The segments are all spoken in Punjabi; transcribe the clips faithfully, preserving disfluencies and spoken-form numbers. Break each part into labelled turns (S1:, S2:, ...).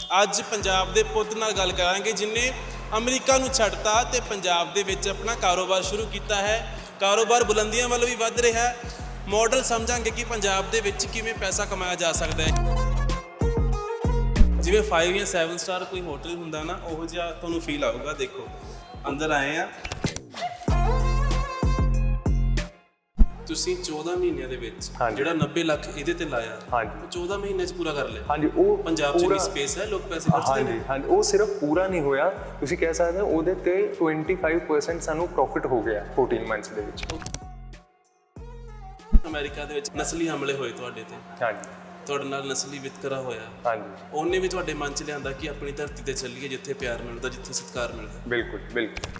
S1: ਅੱਜ ਪੰਜਾਬ ਦੇ ਪੁੱਤ ਨਾਲ ਗੱਲ ਕਰਾਂਗੇ ਜਿਨੇ ਅਮਰੀਕਾ ਨੂੰ ਛੱਡਤਾ ਤੇ ਪੰਜਾਬ ਦੇ ਵਿੱਚ ਆਪਣਾ ਕਾਰੋਬਾਰ ਸ਼ੁਰੂ ਕੀਤਾ ਹੈ। ਕਾਰੋਬਾਰ ਬੁਲੰਦੀਆਂ ਵੱਲ ਵੀ ਵੱਧ ਰਿਹਾ ਹੈ। ਮਾਡਲ ਸਮਝਾਂਗੇ ਕਿ ਪੰਜਾਬ ਦੇ ਵਿੱਚ ਕਿਵੇਂ ਪੈਸਾ ਕਮਾਇਆ ਜਾ ਸਕਦਾ ਹੈ। ਜਿਵੇਂ फाइव ਜਾਂ सैवन ਸਟਾਰ ਕੋਈ ਹੋਟਲ ਹੁੰਦਾ ਨਾ, ਉਹ ਜਿਹਾ ਤੁਹਾਨੂੰ ਫੀਲ ਆਊਗਾ। ਦੇਖੋ ਅੰਦਰ ਆਏ ਆ, ਤੁਸੀਂ चौदह ਮਹੀਨਿਆਂ ਦੇ ਵਿੱਚ ਜਿਹੜਾ नब्बे ਲੱਖ ਇਹਦੇ ਤੇ ਲਾਇਆ, ਹਾਂਜੀ चौदह ਮਹੀਨੇ ਚ ਪੂਰਾ ਕਰ ਲਿਆ।
S2: ਹਾਂਜੀ, ਉਹ
S1: ਪੰਜਾਬ ਚ ਵੀ ਸਪੇਸ ਹੈ, ਲੋਕ ਪੈਸੇ ਖਰਚਦੇ ਨੇ।
S2: ਹਾਂਜੀ ਹਾਂਜੀ, ਉਹ ਸਿਰਫ ਪੂਰਾ ਨਹੀਂ ਹੋਇਆ, ਤੁਸੀਂ ਕਹਿ ਸਕਦੇ ਹੋ ਉਹਦੇ ਤੇ पच्चीस परसेंट ਸਾਨੂੰ ਪ੍ਰੋਫਿਟ ਹੋ ਗਿਆ चौदह ਮੰਥਸ ਦੇ ਵਿੱਚ।
S1: ਅਮਰੀਕਾ ਦੇ ਵਿੱਚ ਨਸਲੀ ਹਮਲੇ ਹੋਏ ਤੁਹਾਡੇ ਤੇ, ਹਾਂਜੀ ਤੁਹਾਡੇ ਨਾਲ ਨਸਲੀ ਵਿਤਕਰਾ ਹੋਇਆ, ਹਾਂਜੀ ਉਹਨੇ ਵੀ ਤੁਹਾਡੇ ਮਨ ਚ ਲਿਆਂਦਾ ਕਿ ਆਪਣੀ ਧਰਤੀ ਤੇ ਚੱਲੀਏ ਜਿੱਥੇ ਪਿਆਰ ਮਿਲਦਾ, ਜਿੱਥੇ ਸਤਿਕਾਰ ਮਿਲਦਾ।
S2: ਬਿਲਕੁਲ ਬਿਲਕੁਲ,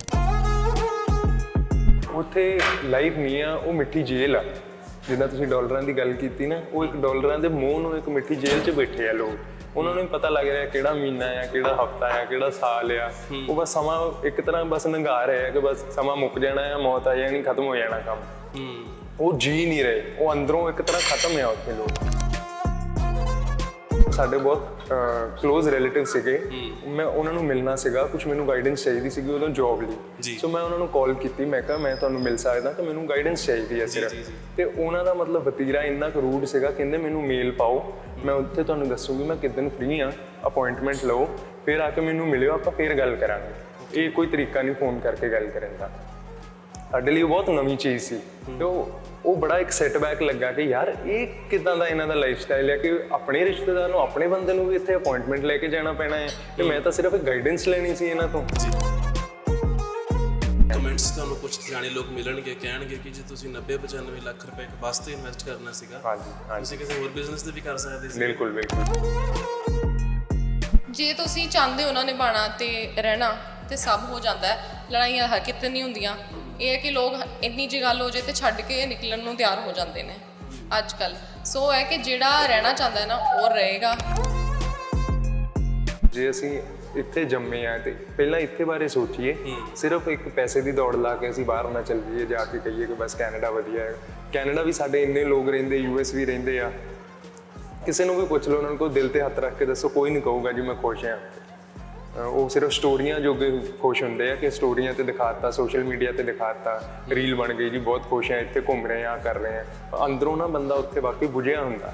S2: ਉੱਥੇ ਲਾਈਫ ਨਹੀਂ ਆ, ਉਹ ਮਿੱਠੀ ਜੇਲ੍ਹ ਆ। ਜਿੱਦਾਂ ਤੁਸੀਂ ਡਾਲਰਾਂ ਦੀ ਗੱਲ ਕੀਤੀ ਨਾ, ਉਹ ਇੱਕ ਡਾਲਰਾਂ ਦੇ ਮੂੰਹ ਨੂੰ ਇੱਕ ਮਿੱਠੀ ਜੇਲ੍ਹ 'ਚ ਬੈਠੇ ਆ ਲੋਕ। ਉਹਨਾਂ ਨੂੰ ਪਤਾ ਲੱਗ ਰਿਹਾ ਕਿਹੜਾ ਮਹੀਨਾ ਆ, ਕਿਹੜਾ ਹਫਤਾ ਆ, ਕਿਹੜਾ ਸਾਲ ਆ। ਉਹ ਬਸ ਸਮਾਂ ਇੱਕ ਤਰ੍ਹਾਂ ਬਸ ਲੰਘਾ ਰਹੇ ਆ ਕਿ ਬਸ ਸਮਾਂ ਮੁੱਕ ਜਾਣਾ ਆ, ਮੌਤ ਆ ਜਾਣੀ, ਖਤਮ ਹੋ ਜਾਣਾ ਕੰਮ। ਉਹ ਜੀ ਨਹੀਂ ਰਹੇ, ਉਹ ਅੰਦਰੋਂ ਇੱਕ ਤਰ੍ਹਾਂ ਖਤਮ ਆ ਉੱਥੇ ਲੋਕ। ਸਾਡੇ ਬਹੁਤ ਕਲੋਜ਼ ਰਿਲੇਟਿਵ ਸੀਗੇ, ਮੈਂ ਉਹਨਾਂ ਨੂੰ ਮਿਲਣਾ ਸੀਗਾ, ਕੁਝ ਮੈਨੂੰ ਗਾਈਡੈਂਸ ਚਾਹੀਦੀ ਸੀਗੀ ਉਦੋਂ ਜੌਬ ਲਈ। ਸੋ ਮੈਂ ਉਹਨਾਂ ਨੂੰ ਕਾਲ ਕੀਤੀ, ਮੈਂ ਕਿਹਾ ਮੈਂ ਤੁਹਾਨੂੰ ਮਿਲ ਸਕਦਾ ਤਾਂ ਮੈਨੂੰ ਗਾਈਡੈਂਸ ਚਾਹੀਦੀ ਹੈ ਸਿਰਫ। ਤੇ ਉਹਨਾਂ ਦਾ ਮਤਲਬ ਵਤੀਰਾ ਇੰਨਾ ਕੁ ਰੂਡ ਸੀਗਾ, ਕਹਿੰਦੇ ਮੈਨੂੰ ਮੇਲ ਪਾਓ, ਮੈਂ ਉੱਥੇ ਤੁਹਾਨੂੰ ਦੱਸੂਗੀ ਮੈਂ ਕਿੱਦਣ ਫ੍ਰੀ ਹਾਂ, ਅਪਾਇੰਟਮੈਂਟ ਲਓ, ਫਿਰ ਆ ਕੇ ਮੈਨੂੰ ਮਿਲਿਓ, ਆਪਾਂ ਫਿਰ ਗੱਲ ਕਰਾਂਗੇ। ਇਹ ਕੋਈ ਤਰੀਕਾ ਨਹੀਂ ਫੋਨ ਕਰਕੇ ਗੱਲ ਕਰਨ ਦਾ। ਸਾਡੇ ਲਈ ਬਹੁਤ ਨਵੀਂ ਚੀਜ਼ ਸੀ ਤੇ ਉਹ ਉਹ ਬੜਾ ਇੱਕ ਸੈਟਬੈਕ ਲੱਗਾ ਕਿ ਯਾਰ ਇਹ ਕਿੱਦਾਂ ਦਾ ਇਹਨਾਂ ਦਾ ਲਾਈਫ ਸਟਾਈਲ ਹੈ ਕਿ ਆਪਣੇ ਰਿਸ਼ਤੇਦਾਰ ਨੂੰ, ਆਪਣੇ ਬੰਦੇ ਨੂੰ ਵੀ ਇੱਥੇ ਅਪਾਇੰਟਮੈਂਟ ਲੈ ਕੇ ਜਾਣਾ ਪੈਣਾ ਹੈ ਤੇ ਮੈਂ ਤਾਂ ਸਿਰਫ ਗਾਈਡੈਂਸ ਲੈਣੀ ਸੀ ਇਹਨਾਂ ਤੋਂ।
S1: ਕਮੈਂਟਸ ਤੁਹਾਨੂੰ ਕੁਝ ਜਾਣੇ ਲੋਕ ਮਿਲਣਗੇ, ਕਹਿਣਗੇ ਕਿ ਜੇ ਤੁਸੀਂ ਨੱਬੇ ਪਚਾਨਵੇਂ ਲੱਖ ਰੁਪਏ ਇੱਕ ਬੱਸ ਤੇ ਇਨਵੈਸਟ ਕਰਨਾ ਸੀਗਾ, ਹਾਂਜੀ ਤੁਸੀਂ ਕਿਸੇ ਹੋਰ ਬਿਜ਼ਨਸ ਤੇ ਵੀ ਕਰ ਸਕਦੇ ਸੀ।
S2: ਬਿਲਕੁਲ ਬਿਲਕੁਲ,
S3: ਜੇ ਤੁਸੀਂ ਚਾਹੁੰਦੇ ਹੋ ਨਾ ਨਿਭਾਉਣਾ ਤੇ ਰਹਿਣਾ ਤੇ ਸਭ ਹੋ ਜਾਂਦਾ ਹੈ। ਲੜਾਈਆਂ ਹਰਕਤ ਨਹੀਂ ਹੁੰਦੀਆਂ। ਇਹ ਹੈ ਕਿ ਲੋਕ ਇੰਨੀ ਜਿਹੀ ਗੱਲ ਹੋ ਜਾਏ ਤੇ ਛੱਡ ਕੇ ਨਿਕਲਣ ਨੂੰ ਤਿਆਰ ਹੋ ਜਾਂਦੇ ਨੇ ਅੱਜ ਕੱਲ੍ਹ। ਸੋ ਹੈ ਕਿ ਜਿਹੜਾ ਰਹਿਣਾ ਚਾਹੁੰਦਾ ਹੈ ਨਾ, ਉਹ ਰਹੇਗਾ।
S2: ਜੇ ਅਸੀਂ ਇੱਥੇ ਜੰਮੇ ਆ ਤੇ ਪਹਿਲਾਂ ਇੱਥੇ ਬਾਰੇ ਸੋਚੀਏ, ਸਿਰਫ ਇੱਕ ਪੈਸੇ ਦੀ ਦੌੜ ਲਾ ਕੇ ਅਸੀਂ ਬਾਹਰ ਨਾ ਚੱਲ ਜਾਈਏ, ਜਾ ਕੇ ਕਹੀਏ ਕਿ ਬਸ ਕੈਨੇਡਾ ਵਧੀਆ ਹੈ। ਕੈਨੇਡਾ ਵੀ ਸਾਡੇ ਇੰਨੇ ਲੋਕ ਰਹਿੰਦੇ, ਯੂ ਐਸ ਵੀ ਰਹਿੰਦੇ ਆ। ਕਿਸੇ ਨੂੰ ਵੀ ਪੁੱਛ ਲਓ, ਉਹਨਾਂ ਨੂੰ ਕੋਈ ਦਿਲ ਤੇ ਹੱਥ ਰੱਖ ਕੇ ਦੱਸੋ, ਕੋਈ ਨਹੀਂ ਕਹੂਗਾ ਜੀ ਮੈਂ ਖੁਸ਼ ਹਾਂ। ਉਹ ਸਿਰਫ ਸਟੋਰੀਆਂ ਜੋਗੇ ਖੁਸ਼ ਹੁੰਦੇ ਆ ਕਿ ਸਟੋਰੀਆਂ ਤੇ ਦਿਖਾਤਾ, ਸੋਸ਼ਲ ਮੀਡੀਆ ਤੇ ਦਿਖਾਤਾ, ਰੀਲ ਬਣ ਗਈ ਜੀ ਬਹੁਤ ਖੁਸ਼ ਆ, ਇੱਥੇ ਘੁੰਮ ਰਹੇ ਆ, ਕਰ ਰਹੇ ਆ। ਅੰਦਰੋਂ ਨਾ ਬੰਦਾ ਉੱਥੇ ਵਾਕਈ ਬੁਝਿਆ ਹੁੰਦਾ।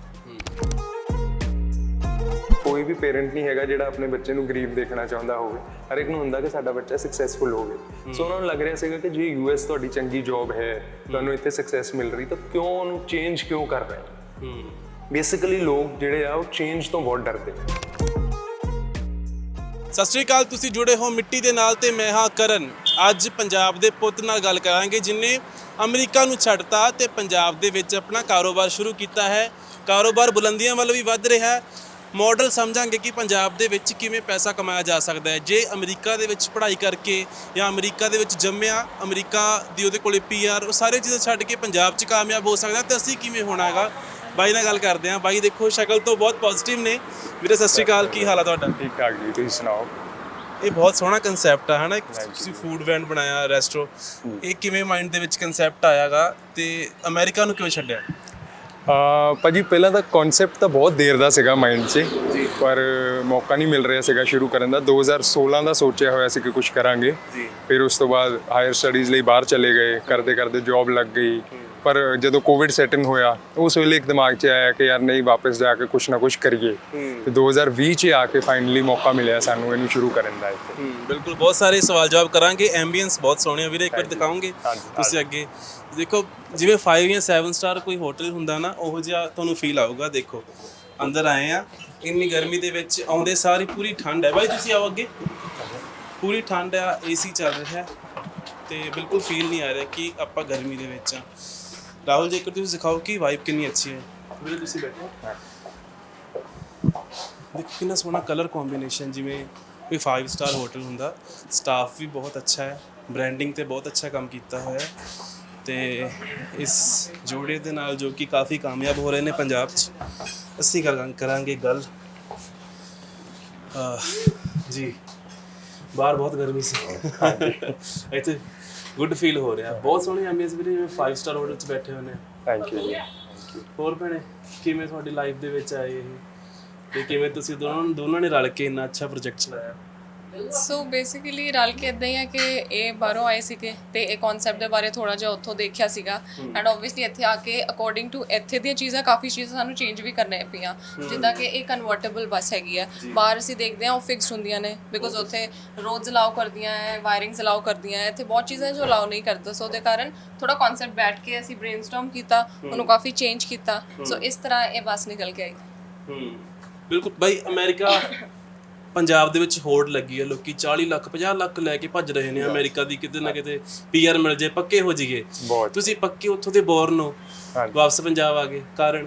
S2: ਕੋਈ ਵੀ ਪੇਰੈਂਟ ਨਹੀਂ ਹੈਗਾ ਜਿਹੜਾ ਆਪਣੇ ਬੱਚੇ ਨੂੰ ਗਰੀਬ ਦੇਖਣਾ ਚਾਹੁੰਦਾ ਹੋਵੇ। ਹਰ ਇੱਕ ਨੂੰ ਹੁੰਦਾ ਕਿ ਸਾਡਾ ਬੱਚਾ ਸਕਸੈਸਫੁਲ ਹੋਵੇ। ਸੋ ਉਹਨਾਂ ਨੂੰ ਲੱਗ ਰਿਹਾ ਸੀਗਾ ਕਿ ਜੇ ਯੂ ਐਸ ਤੁਹਾਡੀ ਚੰਗੀ ਜੌਬ ਹੈ, ਤੁਹਾਨੂੰ ਇੱਥੇ ਸਕਸੈਸ ਮਿਲ ਰਹੀ, ਤਾਂ ਕਿਉਂ ਉਹਨੂੰ ਚੇਂਜ ਕਿਉਂ ਕਰ ਰਹੇ? ਬੇਸਿਕਲੀ ਲੋਕ ਜਿਹੜੇ ਆ ਉਹ ਚੇਂਜ ਤੋਂ ਬਹੁਤ ਡਰਦੇ।
S1: ਸਤਿ ਸ਼੍ਰੀ ਅਕਾਲ, ਤੁਸੀਂ ਜੁੜੇ ਹੋ ਮਿੱਟੀ ਦੇ ਨਾਲ ਤੇ ਮੈਂ ਹਾਂ ਕਰਨ। ਅੱਜ ਪੰਜਾਬ ਦੇ ਪੁੱਤ ਨਾਲ ਗੱਲ ਕਰਾਂਗੇ ਜਿਨੇ ਅਮਰੀਕਾ ਨੂੰ ਛੱਡਤਾ ਤੇ ਪੰਜਾਬ ਦੇ ਵਿੱਚ ਆਪਣਾ ਕਾਰੋਬਾਰ ਸ਼ੁਰੂ ਕੀਤਾ ਹੈ। ਕਾਰੋਬਾਰ ਬੁਲੰਦੀਆਂ ਵੱਲ ਵੀ ਵੱਧ ਰਿਹਾ ਹੈ। ਮਾਡਲ ਸਮਝਾਂਗੇ ਕਿ ਪੰਜਾਬ ਦੇ ਵਿੱਚ ਕਿਵੇਂ ਪੈਸਾ ਕਮਾਇਆ ਜਾ ਸਕਦਾ ਹੈ। ਜੇ ਅਮਰੀਕਾ ਦੇ ਵਿੱਚ ਪੜ੍ਹਾਈ ਕਰਕੇ ਜਾਂ ਅਮਰੀਕਾ ਦੇ ਵਿੱਚ ਜੰਮਿਆ, ਅਮਰੀਕਾ ਦੀ ਉਹਦੇ ਕੋਲੇ ਪੀ ਆਰ, ਉਹ ਸਾਰੇ ਚੀਜ਼ਾਂ ਛੱਡ ਕੇ ਪੰਜਾਬ 'ਚ ਕਾਮਯਾਬ ਹੋ ਸਕਦਾ, ਤੇ ਅਸੀਂ ਕਿਵੇਂ ਹੋਣਾ ਹੈਗਾ। ਬਾਈ ਨਾਲ ਗੱਲ ਕਰਦੇ ਹਾਂ। ਬਾਈ ਦੇਖੋ ਸ਼ਕਲ ਤੋਂ ਬਹੁਤ ਪੋਜ਼ਿਟਿਵ ਨੇ। ਵੀਰੇ ਸਤਿ ਸ਼੍ਰੀ ਅਕਾਲ, ਕੀ ਹਾਲ ਆ ਤੁਹਾਡਾ?
S2: ਠੀਕ ਠਾਕ ਜੀ, ਤੁਸੀਂ ਸੁਣਾਓ?
S1: ਇਹ ਬਹੁਤ ਸੋਹਣਾ ਕਨਸੈਪਟ ਆ, ਹੈ ਨਾ? ਤੁਸੀਂ ਫੂਡ ਵੈਂਡ ਬਣਾਇਆ, ਰੈਸਟੋ, ਇਹ ਕਿਵੇਂ ਮਾਈਂਡ ਦੇ ਵਿੱਚ ਕਨਸੈਪਟ ਆਇਆਗਾ ਤੇ ਅਮਰੀਕਾ ਨੂੰ ਕਿਉਂ ਛੱਡਿਆ?
S2: ਭਾਜੀ ਪਹਿਲਾਂ ਤਾਂ ਕਨਸੈਪਟ ਤਾਂ ਬਹੁਤ ਦੇਰ ਦਾ ਸੀਗਾ ਮਾਈਂਡ 'ਚ, ਪਰ ਮੌਕਾ ਨਹੀਂ ਮਿਲ ਰਿਹਾ ਸੀਗਾ ਸ਼ੁਰੂ ਕਰਨ ਦਾ। ਦੋ ਹਜ਼ਾਰ ਸੋਲਾਂ ਦਾ ਸੋਚਿਆ ਹੋਇਆ ਸੀ ਕਿ ਕੁਝ ਕਰਾਂਗੇ। ਫਿਰ ਉਸ ਤੋਂ ਬਾਅਦ ਹਾਇਰ ਸਟੱਡੀਜ਼ ਲਈ ਬਾਹਰ ਚਲੇ ਗਏ, ਕਰਦੇ ਕਰਦੇ ਜੌਬ ਲੱਗ ਗਈ। ਪਰ ਜਦੋਂ ਕੋਵਿਡ ਸੈਟਿੰਗ ਹੋਇਆ, ਉਸ ਵੇਲੇ ਇੱਕ ਦਿਮਾਗ 'ਚ ਆਇਆ ਕਿ ਯਾਰ ਨਹੀਂ, ਵਾਪਸ ਜਾ ਕੇ ਕੁਛ ਨਾ ਕੁਛ ਕਰੀਏ। ਤੇ ਦੋ ਹਜ਼ਾਰ ਵੀਹ 'ਚ ਆ ਕੇ ਫਾਈਨਲੀ ਮੌਕਾ ਮਿਲਿਆ ਸਾਨੂੰ ਇਹਨੂੰ ਸ਼ੁਰੂ ਕਰਨ ਦਾ ਇੱਥੇ।
S1: ਬਿਲਕੁਲ, ਬਹੁਤ ਸਾਰੇ ਸਵਾਲ ਜਵਾਬ ਕਰਾਂਗੇ। ਐਂਬੀਐਂਸ ਬਹੁਤ ਸੋਹਣੇ ਆ ਵੀਰੇ, ਇੱਕ ਵਾਰ ਦਿਖਾਓਗੇ ਤੁਸੀਂ ਅੱਗੇ? ਦੇਖੋ ਜਿਵੇਂ फाइव ਜਾਂ सैवन ਸਟਾਰ ਕੋਈ ਹੋਟਲ ਹੁੰਦਾ ਨਾ, ਉਹ ਜਿਹਾ ਤੁਹਾਨੂੰ ਫੀਲ ਆਊਗਾ। ਦੇਖੋ ਅੰਦਰ ਆਏ ਆ, ਇੰਨੀ ਗਰਮੀ ਦੇ ਵਿੱਚ ਆਉਂਦੇ ਸਾਰੀ ਪੂਰੀ ਠੰਡ ਹੈ। ਬਾਈ ਤੁਸੀਂ ਆਓ ਅੱਗੇ। ਪੂਰੀ ਠੰਡ ਆ, ਏਸੀ ਚੱਲ ਰਿਹਾ ਤੇ ਬਿਲਕੁਲ ਫੀਲ ਨਹੀਂ ਆ ਰਿਹਾ ਕਿ ਆਪਾਂ ਗਰਮੀ ਦੇ ਵਿੱਚ ਆ। ਰਾਹੁਲ ਜੀ, ਇੱਕ ਤੁਸੀਂ ਸਿਖਾਓ ਕਿ ਵਾਈਬ ਕਿੰਨੀ ਅੱਛੀ ਹੈ। ਵੀਰੇ ਤੁਸੀਂ ਬੈਠੋ। ਦੇਖੋ ਕਿੰਨਾ ਸੋਹਣਾ ਕਲਰ ਕੰਬੀਨੇਸ਼ਨ, ਜਿਵੇਂ ਕੋਈ फाइव ਸਟਾਰ ਹੋਟਲ ਹੁੰਦਾ। ਸਟਾਫ ਵੀ ਬਹੁਤ ਅੱਛਾ ਹੈ, ਬ੍ਰਾਂਡਿੰਗ ਤੇ ਬਹੁਤ ਅੱਛਾ ਕੰਮ ਕੀਤਾ ਹੋਇਆ ਹੈ। ਤੇ ਇਸ ਜੋੜੇ ਦੇ ਨਾਲ ਜੋ ਕਿ ਕਾਫੀ ਕਾਮਯਾਬ ਹੋ ਰਹੇ ਨੇ ਪੰਜਾਬ 'ਚ, ਅਸੀਂ ਕਰਾਂਗੇ ਗੱਲ। ਜੀ ਬਾਹਰ ਬਹੁਤ ਗਰਮੀ ਸੀ, ਇੱਥੇ ਗੁੱਡ ਫੀਲ ਹੋ ਰਿਹਾ। ਬਹੁਤ ਸੋਹਣੀ ਐਂਬੀਐਂਸ ਵੀਰੇ, ਜਿਵੇਂ फाइव ਸਟਾਰ ਹੋਟਲ 'ਚ ਬੈਠੇ ਹੋਏ ਨੇ।
S2: ਥੈਂਕ ਯੂ ਜੀ।
S1: ਹੋਰ ਭੈਣੇ, ਕਿਵੇਂ ਤੁਹਾਡੀ ਲਾਈਫ ਦੇ ਵਿੱਚ ਆਏ ਇਹ? ਤੇ ਕਿਵੇਂ ਤੁਸੀਂ ਦੋਨਾਂ ਦੋਨਾਂ ਨੇ ਰਲ ਕੇ ਇੰਨਾ ਅੱਛਾ ਪ੍ਰੋਜੈਕਟ ਚਲਾਇਆ?
S3: ਸੋ ਬੇਸਿਕਲੀ ਰਲ ਕੇ ਇਦਾਂ ਹੀ ਆ ਕਿ ਇਹ ਬਾਹਰੋਂ ਆਏ ਸੀਗੇ ਤੇ ਇਹ ਕਨਸੈਪਟ ਦੇ ਬਾਰੇ ਥੋੜਾ ਜਿਹਾ ਉੱਥੋਂ ਦੇਖਿਆ ਸੀਗਾ ਐਂਡ ਆਬਵੀਅਸਲੀ ਇੱਥੇ ਆ ਕੇ ਅਕੋਰਡਿੰਗ ਟੂ ਇੱਥੇ ਦੀਆਂ ਚੀਜ਼ਾਂ ਕਾਫੀ ਚੀਜ਼ਾਂ ਸਾਨੂੰ ਚੇਂਜ ਵੀ ਕਰਨੀਆਂ ਪਈਆਂ, ਜਿੱਦਾਂ ਕਿ ਇਹ ਕਨਵਰਟੇਬਲ ਬੱਸ ਹੈਗੀ ਆ। ਬਾਹਰ ਅਸੀਂ ਦੇਖਦੇ ਹਾਂ ਉਹ ਫਿਕਸਡ ਹੁੰਦੀਆਂ ਨੇ ਬਿਕੋਜ਼ ਉੱਥੇ ਰੋਡਸ ਅਲਾਉ ਕਰਦੀਆਂ ਹੈ, ਵਾਇਰਿੰਗਸ ਅਲਾਉ ਕਰਦੀਆਂ ਹੈ, ਇੱਥੇ ਬਹੁਤ ਚੀਜ਼ਾਂ ਜੋ ਅਲਾਉ ਨਹੀਂ ਕਰਦਾ। ਸੋ ਉਹਦੇ ਕਾਰਨ ਥੋੜਾ ਕਨਸੈਪਟ ਬੈਠ ਕੇ ਅਸੀਂ ਬ੍ਰੇਨਸਟਾਰਮ ਕੀਤਾ, ਉਹਨੂੰ ਕਾਫੀ ਚੇਂਜ ਕੀਤਾ। ਸੋ ਇਸ ਤਰ੍ਹਾਂ ਇਹ ਬੱਸ ਨਿਕਲ ਕੇ ਆਈ।
S1: ਹੂੰ ਬਿਲਕੁਲ ਬਾਈ। ਅਮਰੀਕਾ ਪੰਜਾਬ ਦੇ ਵਿੱਚ ਹੋੜ ਲੱਗੀ ਹੈ, ਲੋਕੀ ਚਾਲੀ ਲੱਖ ਪੰਜਾਹ ਲੱਖ ਲੈ ਕੇ ਭੱਜ ਰਹੇ ਨੇ ਅਮਰੀਕਾ ਦੀ, ਕਿਤੇ ਨਾ ਕਿਤੇ ਪੀਆਰ ਮਿਲ ਜੇ, ਪੱਕੇ ਹੋ ਜਾਈਏ। ਤੁਸੀਂ ਪੱਕੇ ਉੱਥੋਂ ਦੇ ਬੋਰਨ ਹੋ, ਵਾਪਸ ਪੰਜਾਬ ਆ ਗਏ, ਕਾਰਨ?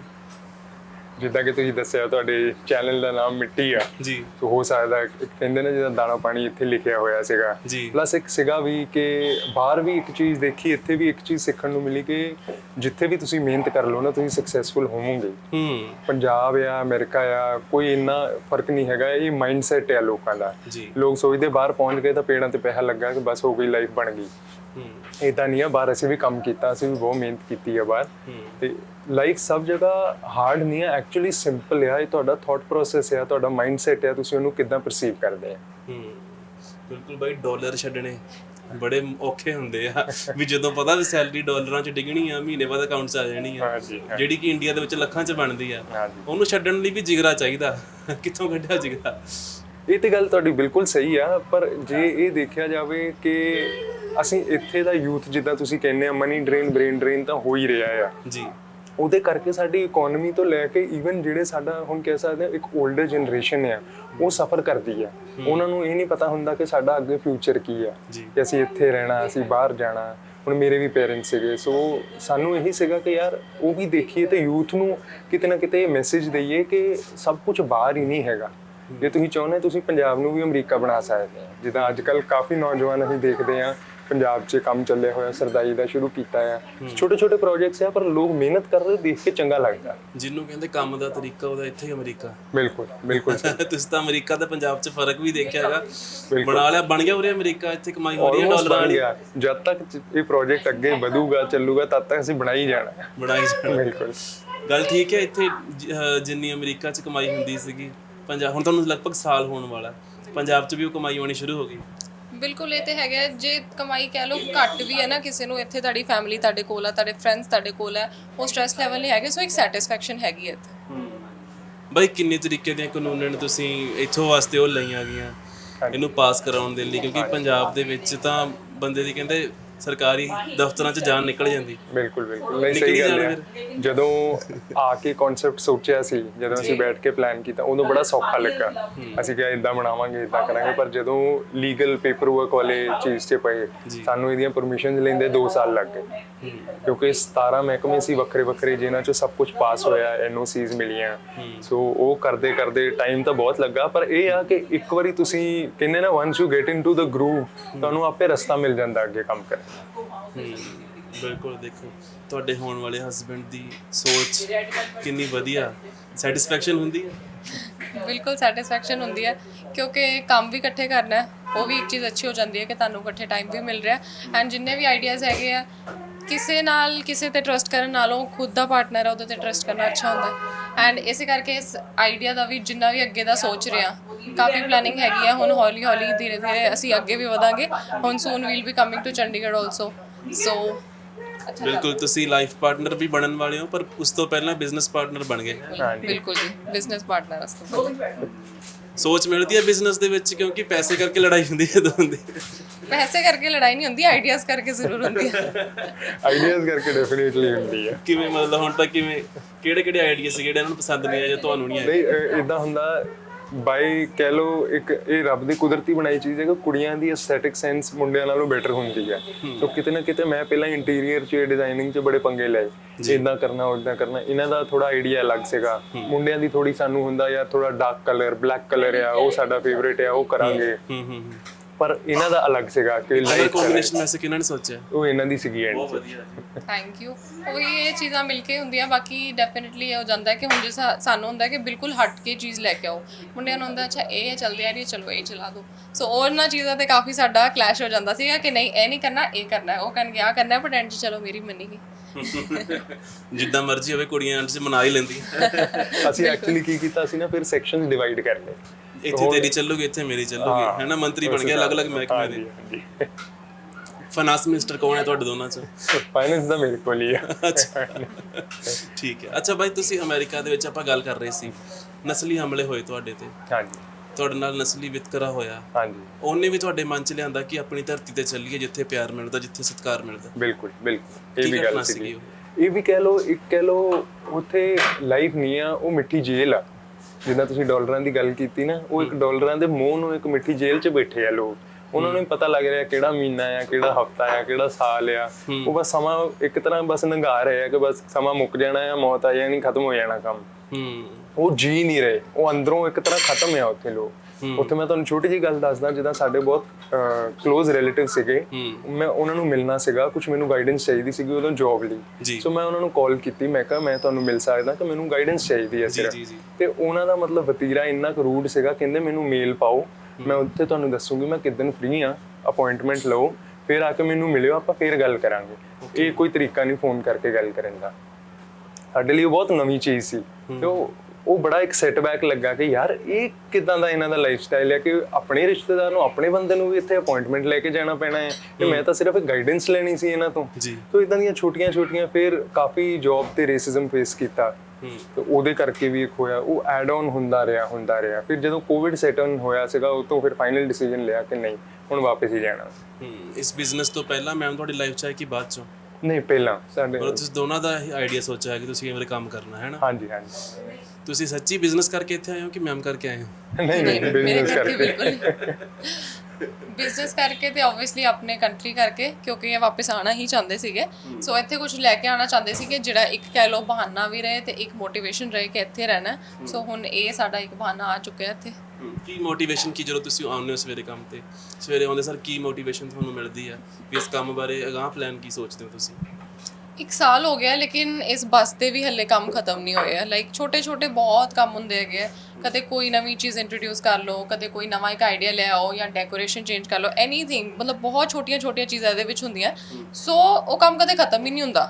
S2: ਜਿੱਦਾਂ ਕਿ ਤੁਸੀਂ ਦੱਸਿਆ ਤੁਹਾਡੇ ਚੈਨਲ ਦਾ ਨਾਮ ਮਿੱਟੀ ਆ
S1: ਜੀ,
S2: ਸੋ ਹੋ ਸਕਦਾ ਇੱਕ ਕਹਿੰਦੇ ਨੇ ਜਿਹਦਾ ਦਾਣਾ ਪਾਣੀ ਇੱਥੇ ਲਿਖਿਆ ਹੋਇਆ ਸੀਗਾ
S1: ਜੀ।
S2: ਪਲੱਸ ਇੱਕ ਸੀਗਾ ਵੀ ਕਿ ਬਾਹਰ ਵੀ ਇੱਕ ਚੀਜ਼ ਦੇਖੀ, ਇੱਥੇ ਵੀ ਇੱਕ ਚੀਜ਼ ਸਿੱਖਣ ਨੂੰ ਮਿਲੀ ਕਿ ਜਿੱਥੇ ਵੀ ਤੁਸੀਂ ਮਿਹਨਤ ਕਰ ਲਓ ਨਾ ਤੁਸੀਂ ਸਕਸੈਸਫੁਲ ਹੋਵੋਗੇ।
S1: ਹੂੰ
S2: ਪੰਜਾਬ ਆ ਅਮਰੀਕਾ ਆ ਕੋਈ ਇੰਨਾ ਫਰਕ ਨਹੀਂ ਹੈਗਾ, ਇਹ ਮਾਈਂਡ ਸੈਟ ਆ ਲੋਕਾਂ ਦਾ।
S1: ਜੀ।
S2: ਲੋਕ ਸੋਚਦੇ ਬਾਹਰ ਪਹੁੰਚ ਗਏ ਤਾਂ ਪੇੜਾਂ ਤੇ ਪੈਸਾ ਲੱਗਾ ਕਿ ਬਸ ਹੋ ਗਈ, ਲਾਈਫ ਬਣ ਗਈ। ਇਦਾਂ ਨਹੀਂ ਆ, ਬਾਹਰ ਅਸੀਂ ਵੀ ਕੰਮ ਕੀਤਾ, ਅਸੀਂ ਵੀ ਬਹੁਤ ਮਿਹਨਤ ਕੀਤੀ ਆ ਬਾਹਰ। ਤੇ ਲਾਈਫ ਸਭ ਜਗ੍ਹਾ ਹਾਰਡ ਨਹੀਂ ਆ, ਐਕਚੁਅਲੀ ਸਿੰਪਲ ਆ। ਇਹ ਤੁਹਾਡਾ ਥਾਟ ਪ੍ਰੋਸੈਸ ਆ, ਤੁਹਾਡਾ ਮਾਈਂਡ ਸੈਟ ਆ, ਤੁਸੀਂ ਉਹਨੂੰ ਕਿੱਦਾਂ ਪਰਸੀਵ ਕਰਦੇ ਆ।
S1: ਹੂੰ ਬਿਲਕੁਲ ਬਾਈ। ਡਾਲਰ ਛੱਡਣੇ ਬੜੇ ਔਖੇ ਹੁੰਦੇ ਆ ਵੀ ਜਦੋਂ ਪਤਾ ਵੀ ਸੈਲਰੀ ਡਾਲਰਾਂ 'ਚ ਡਿੱਗਣੀ ਆ, ਮਹੀਨੇ ਬਾਅਦ ਅਕਾਊਂਟ 'ਚ ਆ ਜਾਣੀ ਆ, ਜਿਹੜੀ ਕਿ ਇੰਡੀਆ ਦੇ ਵਿੱਚ ਲੱਖਾਂ 'ਚ ਬਣਦੀ ਆ। ਉਹਨੂੰ ਛੱਡਣ ਲਈ ਵੀ ਜਿਗਰਾ ਚਾਹੀਦਾ, ਕਿੱਥੋਂ ਕੱਢਿਆ ਜਿਗਰਾ?
S2: ਇਹ ਤੇ ਗੱਲ ਤੁਹਾਡੀ ਬਿਲਕੁਲ ਸਹੀ ਆ, ਪਰ ਜੇ ਇਹ ਦੇਖਿਆ ਜਾਵੇ ਕਿ ਅਸੀਂ ਇੱਥੇ ਦਾ ਯੂਥ ਜਿੱਦਾਂ ਤੁਸੀਂ ਕਹਿੰਦੇ ਆ ਮਨੀ ਡਰੇਨ ਬ੍ਰੇਨ ਡਰੇਨ ਤਾਂ ਹੋ ਹੀ ਰਿਹਾ ਆ
S1: ਜੀ।
S2: ਉਹਦੇ ਕਰਕੇ ਸਾਡੀ ਇਕਨੋਮੀ ਤੋਂ ਲੈ ਕੇ ਈਵਨ ਜਿਹੜੇ ਸਾਡਾ ਹੁਣ ਕਹਿ ਸਕਦੇ ਆ ਇੱਕ 올ਡਰ ਜਨਰੇਸ਼ਨ ਆ ਉਹ ਸਫਰ ਕਰਦੀ ਆ। ਉਹਨਾਂ ਨੂੰ ਇਹ ਨਹੀਂ ਪਤਾ ਹੁੰਦਾ ਕਿ ਸਾਡਾ ਅੱਗੇ ਫਿਊਚਰ ਕੀ ਆ, ਕਿ ਅਸੀਂ ਇੱਥੇ ਰਹਿਣਾ, ਅਸੀਂ ਬਾਹਰ ਜਾਣਾ। ਹੁਣ ਮੇਰੇ ਵੀ ਪੇਰੈਂਟਸ ਸੀਗੇ, ਸੋ ਸਾਨੂੰ ਇਹੀ ਸੀਗਾ ਕਿ ਯਾਰ ਉਹ ਵੀ ਦੇਖੀਏ ਤੇ ਯੂਥ ਨੂੰ ਕਿਤੇ ਨਾ ਕਿਤੇ ਇਹ ਮੈਸੇਜ ਦਈਏ ਕਿ ਸਭ ਕੁਝ ਬਾਹਰ ਹੀ ਨਹੀਂ ਹੈਗਾ। ਜੇ ਤੁਸੀਂ ਚਾਹੁੰਦੇ ਤੁਸੀਂ ਪੰਜਾਬ ਨੂੰ ਵੀ ਅਮਰੀਕਾ ਬਣਾ ਸਕਦੇ ਆ। ਜਿੱਦਾਂ ਅੱਜ ਕੱਲ੍ਹ ਕਾਫੀ ਨੌਜਵਾਨ ਅਸੀਂ ਦੇਖਦੇ ਆ ਪੰਜਾਬ 'ਚ ਕੰਮ ਚੱਲਿਆ ਹੋਇਆ, ਸਰਦਾਈ ਦਾ ਸ਼ੁਰੂ ਕੀਤਾ ਆ, ਛੋਟੇ ਛੋਟੇ ਪ੍ਰੋਜੈਕਟਸ ਆ, ਪਰ ਲੋਕ ਮਿਹਨਤ ਕਰ ਰਹੇ ਦੇਖ ਕੇ ਚੰਗਾ ਲੱਗਦਾ।
S1: ਜਿਹਨੂੰ ਕਹਿੰਦੇ ਕੰਮ ਦਾ ਤਰੀਕਾ ਉਹਦਾ ਇੱਥੇ ਹੀ ਅਮਰੀਕਾ।
S2: ਬਿਲਕੁਲ ਬਿਲਕੁਲ
S1: ਤੁਸੀਂ ਤਾਂ ਅਮਰੀਕਾ ਤੇ ਪੰਜਾਬ 'ਚ ਫਰਕ ਵੀ ਦੇਖਿਆ ਹੈਗਾ, ਬਣਾ ਲਿਆ, ਬਣ ਗਿਆ ਉਰੇ ਅਮਰੀਕਾ, ਇੱਥੇ ਕਮਾਈ ਹੋ ਰਹੀ ਹੈ ਡਾਲਰਾਂ ਵਾਲੀ।
S2: ਜਦ ਤੱਕ ਇਹ ਪ੍ਰੋਜੈਕਟ ਅੱਗੇ ਵਧੂਗਾ ਚੱਲੂਗਾ ਤਦ ਤੱਕ ਅਸੀਂ ਬਣਾਈ ਜਾਣਾ
S1: ਬਣਾਈ ਜਾਣਾ।
S2: ਬਿਲਕੁਲ
S1: ਗੱਲ ਠੀਕ ਹੈ। ਇੱਥੇ ਜਿੰਨੀ ਅਮਰੀਕਾ 'ਚ ਕਮਾਈ ਹੁੰਦੀ ਸੀਗੀ ਪੰਜਾਬ, ਹੁਣ ਤੁਹਾਨੂੰ ਲਗਭਗ ਸਾਲ ਹੋਣ ਵਾਲਾ, ਪੰਜਾਬ 'ਚ ਵੀ ਉਹ ਕਮਾਈ ਆਉਣੀ ਸ਼ੁਰੂ ਹੋ ਗਈ।
S3: ਬਿਲਕੁਲ ਇਹ ਤੇ ਹੈਗਾ। ਜੇ ਕਮਾਈ ਕਹਿ ਲਓ ਘੱਟ ਵੀ ਹੈ ਨਾ ਕਿਸੇ ਨੂੰ, ਇੱਥੇ ਤੁਹਾਡੀ ਫੈਮਿਲੀ ਤੁਹਾਡੇ ਕੋਲ ਆ, ਤੁਹਾਡੇ ਫਰੈਂਡਸ ਤੁਹਾਡੇ ਕੋਲ ਹੈ, ਉਹ ਸਟ੍ਰੈਸ ਲੈਵਲ ਨਹੀਂ ਹੈਗੇ। ਸੋ ਇੱਕ ਸੈਟੀਸਫੈਕਸ਼ਨ ਹੈਗੀ ਇੱਥੇ।
S1: ਬਾਈ ਕਿੰਨੇ ਤਰੀਕੇ ਦੀਆਂ ਕਾਨੂੰਨ ਤੁਸੀਂ ਇੱਥੋਂ ਵਾਸਤੇ ਉਹ ਲਈਆਂ ਗਈਆਂ ਇਹਨੂੰ ਪਾਸ ਕਰਾਉਣ ਦੇ ਲਈ? ਕਿਉਂਕਿ ਪੰਜਾਬ ਦੇ ਵਿੱਚ ਤਾਂ ਬੰਦੇ ਦੀ ਕਹਿੰਦੇ ਸਰਕਾਰੀ ਦਫ਼ਤਰਾਂ 'ਚ ਜਾਨ ਨਿਕਲ ਜਾਂਦੀ।
S2: ਬਿਲਕੁਲ ਬਿਲਕੁਲ ਨਹੀਂ, ਸਹੀ ਗੱਲ ਹੈ। ਜਦੋਂ ਆ ਕੇ ਕਨਸੈਪਟ ਸੋਚਿਆ ਸੀ, ਜਦੋਂ ਅਸੀਂ ਬੈਠ ਕੇ ਪਲਾਨ ਕੀਤਾ, ਉਦੋਂ ਬੜਾ ਸੌਖਾ ਲੱਗਾ। ਅਸੀਂ ਕਿਹਾ ਇਦਾਂ ਬਣਾਵਾਂਗੇ, ਇਦਾਂ ਕਰਾਂਗੇ, ਪਰ ਜਦੋਂ ਲੀਗਲ ਪੇਪਰ ਵਰਕ ਵਾਲੇ ਚੀਜ਼ 'ਚ ਪਏ ਸਾਨੂੰ ਇਹਦੀਆਂ ਪਰਮਿਸ਼ਨ ਲੈਂਦੇ ਦੋ ਸਾਲ ਲੱਗ ਗਏ, ਕਿਉਂਕਿ ਸਤਾਰਾਂ ਮਹਿਕਮੇ ਸੀ ਵੱਖਰੇ ਵੱਖਰੇ ਜਿਨ੍ਹਾਂ 'ਚੋਂ ਸਭ ਕੁਝ ਪਾਸ ਹੋਇਆ, ਐਨ ਓ ਸੀਜ਼ ਮਿਲੀਆਂ। ਸੋ ਉਹ ਕਰਦੇ ਕਰਦੇ ਟਾਈਮ ਤਾਂ ਬਹੁਤ ਲੱਗਾ, ਪਰ ਇਹ ਆ ਕਿ ਇੱਕ ਵਾਰੀ ਤੁਸੀਂ ਕਹਿੰਦੇ ਨਾ once you get into the groove, ਤੁਹਾਨੂੰ ਆਪੇ ਰਸਤਾ ਮਿਲ ਜਾਂਦਾ ਅੱਗੇ ਕੰਮ ਕਰਨ।
S1: ਬਿਲਕੁਲ। ਦੇਖੋ ਤੁਹਾਡੇ ਹੋਣ ਵਾਲੇ ਹਸਬੈਂਡ ਦੀ ਸੋਚ ਕਿੰਨੀ ਵਧੀਆ, ਸੈਟੀਸਫੈਕਸ਼ਨ ਹੁੰਦੀ ਹੈ?
S3: ਬਿਲਕੁਲ ਸੈਟੀਸਫੈਕਸ਼ਨ ਹੁੰਦੀ ਹੈ, ਕਿਉਂਕਿ ਕੰਮ ਵੀ ਇਕੱਠੇ ਕਰਨਾ ਹੈ, ਉਹ ਵੀ ਇੱਕ ਚੀਜ਼ ਅੱਛੀ ਹੋ ਜਾਂਦੀ ਹੈ ਕਿ ਤੁਹਾਨੂੰ ਇਕੱਠੇ ਟਾਈਮ ਵੀ ਮਿਲ ਰਿਹਾ। ਐਂਡ ਜਿੰਨੇ ਵੀ ਆਈਡੀਆਜ਼ ਹੈਗੇ ਆ, ਕਿਸੇ ਨਾਲ ਕਿਸੇ ਤੇ ਟਰਸਟ ਕਰਨ ਨਾਲੋਂ ਖੁਦ ਦਾ ਪਾਰਟਨਰ ਆ ਉਹਦੇ ਤੇ ਟਰਸਟ ਕਰਨਾ ਅੱਛਾ ਹੁੰਦਾ ਹੈ। ਐਂਡ ਇਸੇ ਕਰਕੇ ਇਸ ਆਈਡੀਆ ਦਾ ਵੀ ਜਿੰਨਾ ਵੀ ਅੱਗੇ ਦਾ ਸੋਚ ਰਹੇ ਹਾਂ, ਕਾਫੀ ਪਲੈਨਿੰਗ ਹੈਗੀ ਆ। ਹੁਣ ਹੌਲੀ ਹੌਲੀ ਧੀਰੇ ਧੀਰੇ ਅਸੀਂ ਅੱਗੇ ਵੀ ਵਧਾਂਗੇ। ਹੁਣ soon will be coming to Chandigarh also. So
S1: ਬਿਲਕੁਲ ਤੁਸੀਂ ਲਾਈਫ ਪਾਰਟਨਰ ਵੀ ਬਣਨ ਵਾਲੇ ਹੋ, ਪਰ ਉਸ ਤੋਂ ਪਹਿਲਾਂ ਬਿਜ਼ਨਸ ਪਾਰਟਨਰ ਬਣ ਗਏ।
S3: ਬਿਲਕੁਲ ਜੀ, ਬਿਜ਼ਨਸ ਪਾਰਟਨਰ ਵਾਸਤੇ
S1: ਸੋਚ ਮਿਲਦੀ ਹੈ ਬਿਜ਼ਨਸ ਦੇ ਵਿੱਚ, ਕਿਉਂਕਿ ਪੈਸੇ ਕਰਕੇ ਲੜਾਈ ਹੁੰਦੀ ਹੈ ਦੋਨਾਂ ਦੀ।
S3: ਪੈਸੇ ਕਰਕੇ ਲੜਾਈ ਨਹੀਂ ਹੁੰਦੀ, ਆਈਡੀਆਜ਼ ਕਰਕੇ ਜ਼ਰੂਰ ਹੁੰਦੀ ਹੈ।
S2: ਆਈਡੀਆਜ਼ ਕਰਕੇ ਡੈਫੀਨਿਟਲੀ ਹੁੰਦੀ ਹੈ।
S1: ਕਿਵੇਂ ਮਤਲਬ ਹੁਣ ਤੱਕ ਕਿਵੇਂ ਕਿਹੜੇ ਕਿਹੜੇ ਆਈਡੀਆ ਸੀ ਜਿਹੜੇ ਇਹਨਾਂ ਨੂੰ ਪਸੰਦ ਨਹੀਂ ਆਏ ਜਾਂ ਤੁਹਾਨੂੰ ਨਹੀਂ ਆਏ?
S2: ਨਹੀਂ ਇਦਾਂ ਹੁੰਦਾ ਬਾਈ ਕਹਿ ਲਓ, ਇੱਕ ਇਹ ਰੱਬ ਦੀ ਕੁਦਰਤੀ ਬਣਾਈ ਚੀਜ਼ ਹੈ ਕਿ ਕੁੜੀਆਂ ਦੀ ਐਸਥੈਟਿਕ ਸੈਂਸ ਮੁੰਡਿਆਂ ਨਾਲੋਂ ਬੈਟਰ ਹੁੰਦੀ ਹੈ। ਸੋ ਕਿਤੇ ਨਾ ਕਿਤੇ ਮੈਂ ਪਹਿਲਾਂ ਇੰਟੀਰੀਅਰ 'ਚ ਡਿਜ਼ਾਈਨਿੰਗ 'ਚ ਬੜੇ ਪੰਗੇ ਲਏ, ਇੱਦਾਂ ਕਰਨਾ ਉੱਦਾਂ ਕਰਨਾ। ਇਹਨਾਂ ਦਾ ਥੋੜਾ ਆਈਡੀਆ ਅਲੱਗ ਸੀਗਾ, ਮੁੰਡਿਆਂ ਦੀ ਥੋੜੀ ਸਾਨੂੰ ਹੁੰਦਾ ਯਾਰ ਥੋੜਾ ਡਾਰਕ ਕਲਰ ਬਲੈਕ ਕਲਰ ਆ, ਉਹ ਸਾਡਾ ਫੇਵਰੇਟ ਆ, ਉਹ ਕਰਾਂਗੇ। ਪਰ ਇਹਨਾਂ ਦਾ ਅਲੱਗ ਸੀਗਾ ਕਿ
S1: ਕਲਰ
S2: ਲਾਈਟ
S1: ਕੰਬੀਨੇਸ਼ਨ ਵੈਸੇ ਕਿਹਨਾਂ ਨੇ ਸੋਚਿਆ?
S2: ਉਹ ਇਹਨਾਂ ਦੀ ਸੀਗੀ ਐਂਡ
S1: ਬਹੁਤ
S2: 'ਚ।
S1: ਵਧੀਆ।
S3: Thank you. ਉਹ ਇਹ ਚੀਜ਼ਾਂ ਮਿਲ ਕੇ ਹੁੰਦੀਆਂ। ਬਾਕੀ ਡੈਫੀਨਿਟਲੀ ਇਹ ਹੋ ਜਾਂਦਾ ਹੈ ਕਿ ਹੁਣ ਜੇ ਸਾ- ਸਾਨੂੰ ਹੁੰਦਾ ਕਿ ਬਿਲਕੁਲ ਹਟ ਕੇ ਚੀਜ਼ ਲੈ ਕੇ ਆਓ, ਮੁੰਡਿਆਂ ਨੂੰ ਹੁੰਦਾ ਅੱਛਾ ਇਹ ਚੱਲਦੇ ਆ ਰਹੀ ਚਲੋ ਇਹ ਚਲਾ ਦਿਓ। ਸੋ ਉਹਨਾਂ ਚੀਜ਼ਾਂ ਤੇ ਕਾਫੀ ਸਾਡਾ ਕਲੈਸ਼ ਹੋ ਜਾਂਦਾ ਸੀਗਾ ਕਿ ਨਹੀਂ ਇਹ ਨਹੀਂ ਕਰਨਾ ਇਹ ਕਰਨਾ ਹੈ, ਉਹ ਕਹਿਣਗੇ ਆਹ ਕਰਨਾ, ਬਟ ਐਂਡ 'ਚ ਚਲੋ ਮੇਰੀ ਮੰਨੀ ਗਈ।
S1: ਜਿੱਦਾਂ ਮਰਜ਼ੀ ਹੋਵੇ ਕੁੜੀਆਂ ਐਂਡ 'ਚ ਮਨਾ ਹੀ ਲੈਂਦੀਆਂ।
S2: ਅਸੀਂ ਐਕਚੁਅਲੀ ਕੀ ਕੀਤਾ ਸੀ ਨਾ, ਫਿਰ ਸੈਕਸ਼ਨਸ ਡਿਵਾਈਡ ਕਰ ਲਏ।
S1: ਇੱਥੇ ਤੇਰੀ ਚੱਲੂਗੀ ਇੱਥੇ ਮੇਰੀ ਚੱਲੂਗੀ, ਹੈ ਨਾ? ਮੰਤਰੀ ਬਣ ਗਿਆ ਅਲੱਗ-ਅਲੱਗ ਮਹਿਕਮੇ ਦੇ।
S2: ਹਾਂਜੀ
S1: ਫਾਈਨਾਂਸ ਮਿਨਿਸਟਰ ਕੌਣ ਹੈ ਤੁਹਾਡੇ ਦੋਨਾਂ 'ਚ?
S2: ਫਾਈਨੈਂਸ ਦਾ ਮੇਰੇ ਕੋਲ ਹੀ ਆ।
S1: ਅੱਛਾ ਠੀਕ ਹੈ। ਅੱਛਾ ਬਾਈ, ਤੁਸੀਂ ਅਮਰੀਕਾ ਦੇ ਵਿੱਚ ਆਪਾਂ ਗੱਲ ਕਰ ਰਹੇ ਸੀ, ਨਸਲੀ ਹਮਲੇ ਹੋਏ ਤੁਹਾਡੇ ਤੇ,
S2: ਹਾਂਜੀ
S1: ਤੁਹਾਡੇ ਨਾਲ ਨਸਲੀ ਵਿਤਕਰਾ ਹੋਇਆ,
S2: ਹਾਂਜੀ
S1: ਉਹਨੇ ਵੀ ਤੁਹਾਡੇ ਮਨ 'ਚ ਲਿਆਂਦਾ ਕਿ ਆਪਣੀ ਧਰਤੀ ਤੇ ਚੱਲੀਏ ਜਿੱਥੇ ਪਿਆਰ ਮਿਲਦਾ, ਜਿੱਥੇ ਸਤਿਕਾਰ ਮਿਲਦਾ?
S2: ਬਿਲਕੁਲ ਬਿਲਕੁਲ, ਇਹ
S1: ਕੀ
S2: ਵੀ
S1: ਘਟਨਾ
S2: ਗੱਲ
S1: ਸੀਗੀ
S2: ਸੀਗੀ।
S1: ਉਹ?
S2: ਇਹ ਵੀ ਕਹਿ ਲਓ, ਇੱਕ ਕਹਿ ਲਓ ਉੱਥੇ ਲਾਈਫ ਨਹੀਂ ਆ, ਉਹ ਮਿੱਠੀ ਜੇਲ੍ਹ ਆ। ਜਿੱਦਾਂ ਤੁਸੀਂ ਡਾਲਰਾਂ ਦੀ ਗੱਲ ਕੀਤੀ ਨਾ, ਉਹ ਇੱਕ ਡਾਲਰਾਂ ਦੇ ਮੂੰਹ ਨੂੰ ਇੱਕ ਮਿੱਠੀ ਜੇਲ੍ਹ 'ਚ ਬੈਠੇ ਆ ਲੋਕ। ਉਹਨਾਂ ਨੂੰ ਪਤਾ ਲੱਗ ਰਿਹਾ ਕਿਹੜਾ ਮਹੀਨਾ ਆ, ਕਿਹੜਾ ਹਫਤਾ ਆ, ਕਿਹੜਾ ਸਾਲ ਆ। ਉਹ ਬਸ ਸਮਾਂ ਇੱਕ ਤਰ੍ਹਾਂ ਬਸ ਲੰਘਾ ਰਹੇ ਆ ਕਿ ਬਸ ਸਮਾਂ ਮੁੱਕ ਜਾਣਾ ਆ, ਮੌਤ ਆ ਜਾਣੀ, ਖਤਮ ਹੋ ਜਾਣਾ ਕੰਮ।
S1: ਹੂੰ।
S2: ਉਹ ਜੀ ਨਹੀਂ ਰਹੇ, ਉਹ ਅੰਦਰੋਂ ਇੱਕ ਤਰ੍ਹਾਂ ਖਤਮ ਆ ਉੱਥੇ ਲੋਕ। ਉੱਥੇ ਮੈਂ ਤੁਹਾਨੂੰ ਛੋਟੀ ਜਿਹੀ ਗੱਲ ਦੱਸਦਾ, ਜਿੱਦਾਂ ਸਾਡੇ ਬਹੁਤ ਕਲੋਜ਼ ਰਿਲੇਟਿਵ ਸੀਗੇ, ਮੈਂ ਉਹਨਾਂ ਨੂੰ ਮਿਲਣਾ ਸੀਗਾ, ਕੁਝ ਮੈਨੂੰ ਗਾਈਡੈਂਸ ਚਾਹੀਦੀ ਸੀਗੀ ਉਦੋਂ ਜੌਬ ਲਈ। ਸੋ ਮੈਂ ਉਹਨਾਂ ਨੂੰ ਕਾਲ ਕੀਤੀ, ਮੈਂ ਕਿਹਾ ਮੈਂ ਤੁਹਾਨੂੰ ਮਿਲ ਸਕਦਾ ਕਿ ਮੈਨੂੰ ਗਾਈਡੈਂਸ ਚਾਹੀਦੀ ਹੈ ਸਿਰਫ। ਤੇ ਉਹਨਾਂ ਦਾ ਮਤਲਬ ਵਤੀਰਾ ਇੰਨਾ ਕੁ ਰੂਡ ਸੀਗਾ, ਕਹਿੰਦੇ ਮੈਨੂੰ ਮੇਲ ਪਾਓ, ਮੈਂ ਉੱਥੇ ਤੁਹਾਨੂੰ ਦੱਸੂਗੀ ਮੈਂ ਕਿੱਦਣ ਫ੍ਰੀ ਆ, ਅਪਾਇੰਟਮੈਂਟ ਲਓ, ਫਿਰ ਆ ਕੇ ਮੈਨੂੰ ਮਿਲਿਓ, ਆਪਾਂ ਫਿਰ ਗੱਲ ਕਰਾਂਗੇ। ਇਹ ਕੋਈ ਤਰੀਕਾ ਨਹੀਂ ਫੋਨ ਕਰਕੇ ਗੱਲ ਕਰਨ ਦਾ। ਸਾਡੇ ਲਈ ਉਹ ਬਹੁਤ ਨਵੀਂ ਚੀਜ਼ ਸੀ ਤੇ ਉਹ ਉਹ ਬੜਾ ਇੱਕ ਸੈਟਬੈਕ ਲੱਗਾ ਕਿ ਯਾਰ ਇਹ ਕਿਦਾਂ ਦਾ ਇਹਨਾਂ ਦਾ ਲਾਈਫ ਸਟਾਈਲ ਹੈ ਕਿ ਆਪਣੇ ਰਿਸ਼ਤੇਦਾਰ ਨੂੰ, ਆਪਣੇ ਬੰਦੇ ਨੂੰ ਵੀ ਇੱਥੇ ਅਪਾਇੰਟਮੈਂਟ ਲੈ ਕੇ ਜਾਣਾ ਪੈਣਾ ਹੈ ਤੇ ਮੈਂ ਤਾਂ ਸਿਰਫ ਇੱਕ ਗਾਈਡੈਂਸ ਲੈਣੀ ਸੀ ਇਹਨਾਂ ਤੋਂ। ਤਾਂ ਇਦਾਂ ਦੀਆਂ ਛੋਟੀਆਂ ਛੋਟੀਆਂ ਫਿਰ ਕਾਫੀ ਜੌਬ ਤੇ ਰੇਸਿਜ਼ਮ ਫੇਸ ਕੀਤਾ ਤੇ ਉਹਦੇ ਕਰਕੇ ਵੀ ਇੱਕ ਹੋਇਆ, ਉਹ ਐਡ ਆਨ ਹੁੰਦਾ ਰਿਹਾ ਹੁੰਦਾ ਰਿਹਾ ਫਿਰ ਜਦੋਂ ਕੋਵਿਡ ਸੈਟਨ ਹੋਇਆ ਸੀਗਾ, ਉਹ ਤੋਂ ਫਿਰ ਫਾਈਨਲ ਡਿਸੀਜਨ ਲਿਆ ਕਿ ਨਹੀਂ ਹੁਣ ਵਾਪਸ ਹੀ ਜਾਣਾ।
S1: ਇਸ ਬਿਜ਼ਨਸ ਤੋਂ ਪਹਿਲਾਂ ਮੈਮ ਤੁਹਾਡੀ ਲਾਈਫ 'ਚ ਆਈ ਕਿ ਬਾਅਦ 'ਚੋਂ?
S2: ਨਹੀਂ, ਪਹਿਲਾਂ ਸਾਡੇ।
S1: ਮਤਲਬ ਤੁਸੀਂ ਦੋਨਾਂ ਦਾ ਆਈਡੀਆ ਸੋਚਿਆ ਹੈ ਕਿ ਤੁਸੀਂ ਇਹ ਵਾਲੇ ਕੰਮ ਕਰਨਾ ਹੈ ਨਾ?
S2: ਹਾਂਜੀ ਹਾਂਜੀ।
S1: ਤੁਸੀਂ ਸੱਚੀ ਬਿਜ਼ਨਸ ਕਰਕੇ ਇੱਥੇ ਆਏ ਹੋ ਕਿ ਮੈਮ ਕਰਕੇ ਆਏ ਹੋ?
S2: ਨਹੀਂ ਨਹੀਂ, ਬਿਜ਼ਨਸ ਕਰਕੇ।
S3: ਬਿਜ਼ਨਸ ਕਰਕੇ ਤੇ ਆਬਵੀਅਸਲੀ ਆਪਣੇ ਕੰਟਰੀ ਕਰਕੇ, ਕਿਉਂਕਿ ਇਹ ਵਾਪਸ ਆਣਾ ਹੀ ਚਾਹੁੰਦੇ ਸੀਗੇ। ਸੋ ਇੱਥੇ ਕੁਝ ਲੈ ਕੇ ਆਣਾ ਚਾਹੁੰਦੇ ਸੀਗੇ ਜਿਹੜਾ ਇੱਕ ਕਹਿ ਲਓ ਬਹਾਨਾ ਵੀ ਰਹੇ ਤੇ ਇੱਕ ਮੋਟੀਵੇਸ਼ਨ ਰਹੇ ਕਿ ਇੱਥੇ ਰਹਿਣਾ। ਸੋ ਹੁਣ ਇਹ ਸਾਡਾ ਇੱਕ ਬਹਾਨਾ ਆ ਚੁੱਕਿਆ ਇੱਥੇ।
S1: ਕੀ ਮੋਟੀਵੇਸ਼ਨ ਕੀ ਜਦੋਂ ਤੁਸੀਂ ਆਉਂਦੇ ਹੋ ਸਵੇਰੇ ਕੰਮ ਤੇ, ਸਵੇਰੇ ਆਉਂਦੇ ਸਰ ਕੀ ਮੋਟੀਵੇਸ਼ਨ ਤੁਹਾਨੂੰ ਮਿਲਦੀ ਹੈ ਵੀ ਇਸ ਕੰਮ ਬਾਰੇ ਅਗਾਂਹ ਪਲਾਨ ਕੀ ਸੋਚਦੇ ਹੋ ਤੁਸੀਂ?
S3: ਇੱਕ ਸਾਲ ਹੋ ਗਿਆ ਲੇਕਿਨ ਇਸ ਬੱਸ ਤੇ ਵੀ ਹੱਲੇ ਕੰਮ ਖਤਮ ਨਹੀਂ ਹੋਏ ਆ। ਲਾਈਕ ਛੋਟੇ ਛੋਟੇ ਬਹੁਤ ਕੰਮ ਹੁੰਦੇ ਹੈਗੇ ਆ। ਕਦੇ ਕੋਈ ਨਵੀਂ ਚੀਜ਼ ਇੰਟਰੋਡਿਊਸ ਕਰ ਲਓ, ਕਦੇ ਕੋਈ ਨਵਾਂ ਇੱਕ ਆਈਡੀਆ ਲੈ ਆਓ ਜਾਂ ਡੈਕੋਰੇਸ਼ਨ ਚੇਂਜ ਕਰ ਲਓ, ਐਨੀਥਿੰਗ, ਮਤਲਬ ਬਹੁਤ ਛੋਟੀਆਂ ਛੋਟੀਆਂ ਚੀਜ਼ਾਂ ਇਹਦੇ ਵਿੱਚ ਹੁੰਦੀਆਂ। ਸੋ ਉਹ ਕੰਮ ਕਦੇ ਖਤਮ ਹੀ ਨਹੀਂ ਹੁੰਦਾ।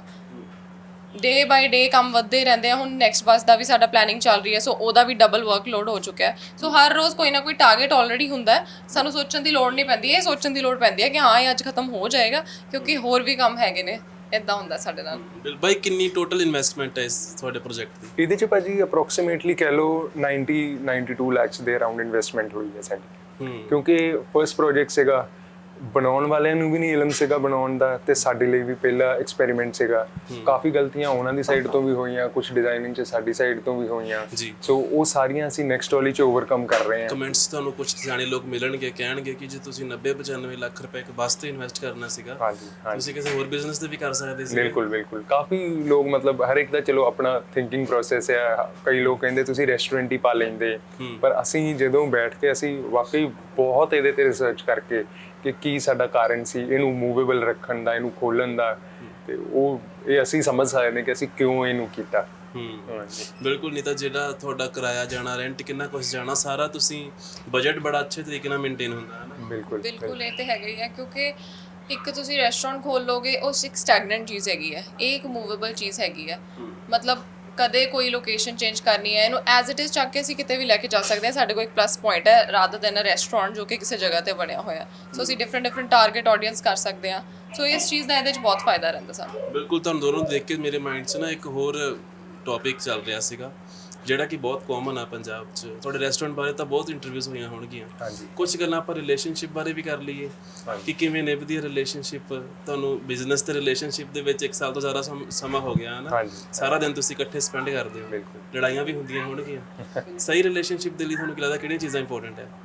S3: ਡੇ ਬਾਈ ਡੇ ਕੰਮ ਵੱਧਦੇ ਰਹਿੰਦੇ ਆ। ਹੁਣ ਨੈਕਸਟ ਬੱਸ ਦਾ ਵੀ ਸਾਡਾ ਪਲੈਨਿੰਗ ਚੱਲ ਰਹੀ ਹੈ, ਸੋ ਉਹਦਾ ਵੀ ਡਬਲ ਵਰਕਲੋਡ ਹੋ ਚੁੱਕਿਆ ਹੈ। ਸੋ ਹਰ ਰੋਜ਼ ਕੋਈ ਨਾ ਕੋਈ ਟਾਰਗੇਟ ਆਲਰੇਡੀ ਹੁੰਦਾ ਹੈ। ਸਾਨੂੰ ਸੋਚਣ ਦੀ ਲੋੜ ਨਹੀਂ ਪੈਂਦੀ, ਇਹ ਸੋਚਣ ਦੀ ਲੋੜ ਪੈਂਦੀ ਹੈ ਕਿ ਹਾਂ ਇਹ ਅੱਜ ਖਤਮ ਹੋ ਜਾਏਗਾ ਕਿਉਂਕਿ ਹੋਰ ਵੀ ਕੰਮ ਹੈਗੇ ਨੇ। ਇਦਾਂ ਹੁੰਦਾ ਸਾਡੇ ਨਾਲ।
S1: ਬਾਈ ਕਿੰਨੀ ਟੋਟਲ ਇਨਵੈਸਟਮੈਂਟ ਹੈ ਇਸ ਤੁਹਾਡੇ ਪ੍ਰੋਜੈਕਟ ਦੀ?
S2: ਇਹਦੇ ਚ ਭਾਜੀ ਅਪਰੋਕਸੀਮੇਟਲੀ ਕਹਿ ਲਓ ਨਾਈਂਟੀ ਨਾਈਂਟੀ ਟੂ ਲੱਖ ਦੇ ਅਰਾਊਂਡ ਇਨਵੈਸਟਮੈਂਟ ਹੋਈ ਹੈ ਸਾਡੀ। ਕਿਉਂਕਿ ਫਰਸਟ ਪ੍ਰੋਜੈਕਟ ਸੀਗਾ, ਬਣਾਉਣ ਵਾਲਿਆਂ ਨੂੰ ਵੀ ਨਹੀਂ ਇਲਮ ਸੀਗਾ ਬਣਾਉਣ ਦਾ ਤੇ ਸਾਡੇ ਲਈ ਵੀ ਪਹਿਲਾ ਐਕਸਪੈਰੀਮੈਂਟ ਸੀਗਾ। ਕਾਫੀ ਗਲਤੀਆਂ ਉਹਨਾਂ ਦੀ ਸਾਈਡ ਤੋਂ ਵੀ ਹੋਈਆਂ, ਕੁਝ ਡਿਜ਼ਾਈਨਿੰਗ 'ਚ ਸਾਡੀ ਸਾਈਡ ਤੋਂ ਵੀ ਹੋਈਆਂ। ਸੋ ਉਹ ਸਾਰੀਆਂ ਅਸੀਂ ਨੈਕਸਟ ਵਾਲੀ 'ਚ ਓਵਰਕਮ ਕਰ ਰਹੇ ਹਾਂ।
S1: ਕਮੈਂਟਸ ਤੁਹਾਨੂੰ ਕੁਝ ਸਿਆਣੇ ਲੋਕ ਮਿਲਣਗੇ, ਕਹਿਣਗੇ ਕਿ ਜੇ ਤੁਸੀਂ ਨੱਬੇ ਪਚਾਨਵੇਂ ਲੱਖ ਰੁਪਏ ਇੱਕ ਬੱਸ ਤੇ ਇਨਵੈਸਟ ਕਰਨਾ ਸੀਗਾ,
S2: ਹਾਂਜੀ
S1: ਤੁਸੀਂ ਕਿਸੇ ਹੋਰ ਬਿਜ਼ਨਸ ਤੇ ਵੀ ਕਰ ਸਕਦੇ ਸੀ।
S2: ਬਿਲਕੁਲ ਬਿਲਕੁਲ। ਕਾਫੀ ਲੋਕ ਮਤਲਬ ਹਰ ਇੱਕ ਦਾ ਚਲੋ ਆਪਣਾ ਥਿੰਕਿੰਗ ਪ੍ਰੋਸੈਸ ਹੈ। ਕਈ ਲੋਕ ਕਹਿੰਦੇ ਤੁਸੀਂ ਰੈਸਟੋਰੈਂਟ ਹੀ ਪਾ ਲੈਂਦੇ, ਪਰ ਅਸੀਂ ਜਦੋਂ ਬੈਠ ਕੇ ਅਸੀਂ ਵਾਕਈ ਬਹੁਤ ਇਹਦੇ ਤੇ ਰਿਸਰਚ ਕਰਕੇ ਕਿ ਕੀ ਸਾਡਾ ਕਾਰਨ ਸੀ ਇਹਨੂੰ ਮੂਵੇਬਲ ਰੱਖਣ ਦਾ, ਇਹਨੂੰ ਖੋਲਣ ਦਾ, ਤੇ ਉਹ ਇਹ ਅਸੀਂ ਸਮਝ ਸਕਦੇ ਨੇ ਕਿ ਅਸੀਂ ਕਿਉਂ ਇਹਨੂੰ ਕੀਤਾ।
S1: ਬਿਲਕੁਲ। ਨਹੀਂ ਤਾਂ ਜਿਹੜਾ ਤੁਹਾਡਾ ਕਿਰਾਇਆ ਜਾਣਾ, ਰੈਂਟ ਕਿੰਨਾ ਕੁਝ ਜਾਣਾ, ਸਾਰਾ ਤੁਸੀਂ ਬਜਟ ਬੜਾ ਅੱਛੇ ਤਰੀਕੇ ਨਾਲ ਮੇਨਟੇਨ ਹੁੰਦਾ ਹੈ ਨਾ।
S2: ਬਿਲਕੁਲ
S3: ਬਿਲਕੁਲ, ਇਹ ਤੇ ਹੈਗਾ ਹੀ ਹੈ ਕਿਉਂਕਿ ਇੱਕ ਤੁਸੀਂ ਰੈਸਟੋਰੈਂਟ ਖੋਲ ਲੋਗੇ, ਉਹ ਇੱਕ ਸਟੈਗਨੈਂਟ ਚੀਜ਼ ਹੈਗੀ ਹੈ, ਇਹ ਇੱਕ ਮੂਵੇਬਲ ਚੀਜ਼ ਹੈਗੀ ਹੈ। ਮਤਲਬ ਕਦੇ ਕੋਈ ਲੋਕੇਸ਼ਨ ਚੇਂਜ ਕਰਨੀ ਹੈ, ਇਹਨੂੰ ਐਜ਼ ਇਟ ਇਜ਼ ਚੱਕ ਕੇ ਅਸੀਂ ਕਿਤੇ ਵੀ ਲੈ ਕੇ ਜਾ ਸਕਦੇ ਹਾਂ। ਸਾਡੇ ਕੋਲ ਇੱਕ ਪਲੱਸ ਪੁਆਇੰਟ ਹੈ ਰਾਦਰ ਦੈਨ ਅ ਰੈਸਟੋਰੈਂਟ ਜੋ ਕਿ ਕਿਸੇ ਜਗ੍ਹਾ ਤੇ ਬਣਿਆ ਹੋਇਆ। ਸੋ ਅਸੀਂ ਡਿਫਰੈਂਟ ਡਿਫਰੈਂਟ ਟਾਰਗੇਟ ਆਡੀਅנס ਕਰ ਸਕਦੇ ਹਾਂ। ਸੋ ਇਸ ਚੀਜ਼ ਦਾ ਇਹਦੇ 'ਚ ਬਹੁਤ ਫਾਇਦਾ ਰਹਿੰਦਾ ਸਾਨੂੰ। ਬਿਲਕੁਲ।
S1: ਤੁਹਾਨੂੰ ਦੋਨੋਂ ਨੂੰ ਦੇਖ ਕੇ ਮੇਰੇ ਮਾਈਂਡ 'ਚ ਨਾ ਇੱਕ ਹੋਰ ਟੌਪਿਕ ਚੱਲ ਰਿਹਾ ਸੀਗਾ ਜਿਹੜਾ ਕਿ ਬਹੁਤ ਕਾਮਨ ਆ ਪੰਜਾਬ 'ਚ। ਤੁਹਾਡੇ ਰੈਸਟੋਰੈਂਟ ਬਾਰੇ ਤਾਂ ਬਹੁਤ ਇੰਟਰਵਿਊਜ਼ ਹੋਈਆਂ ਹੋਣਗੀਆਂ, ਕੁਝ ਗੱਲਾਂ ਆਪਾਂ ਰਿਲੇਸ਼ਨਸ਼ਿਪ ਬਾਰੇ ਵੀ ਕਰ ਲਈਏ ਕਿ ਕਿਵੇਂ ਨਿਭਦੀ ਹੈ ਰਿਲੇਸ਼ਨਸ਼ਿਪ। ਤੁਹਾਨੂੰ ਬਿਜ਼ਨਸ ਤੇ ਰਿਲੇਸ਼ਨਸ਼ਿਪ ਦੇ ਵਿੱਚ ਇੱਕ ਸਾਲ ਤੋਂ ਜ਼ਿਆਦਾ ਸਮਾਂ ਹੋ ਗਿਆ ਹੈ ਨਾ, ਸਾਰਾ ਦਿਨ ਤੁਸੀਂ ਇਕੱਠੇ ਸਪੈਂਡ ਕਰਦੇ ਹੋ, ਲੜਾਈਆਂ ਵੀ ਹੁੰਦੀਆਂ ਹੋਣਗੀਆਂ। ਸਹੀ ਰਿਲੇਸ਼ਨਸ਼ਿਪ ਦੇ ਲਈ ਤੁਹਾਨੂੰ ਕੀ ਲੱਗਦਾ ਕਿਹੜੀਆਂ ਚੀਜ਼ਾਂ ਇੰਪੋਰਟੈਂਟ ਹੈ?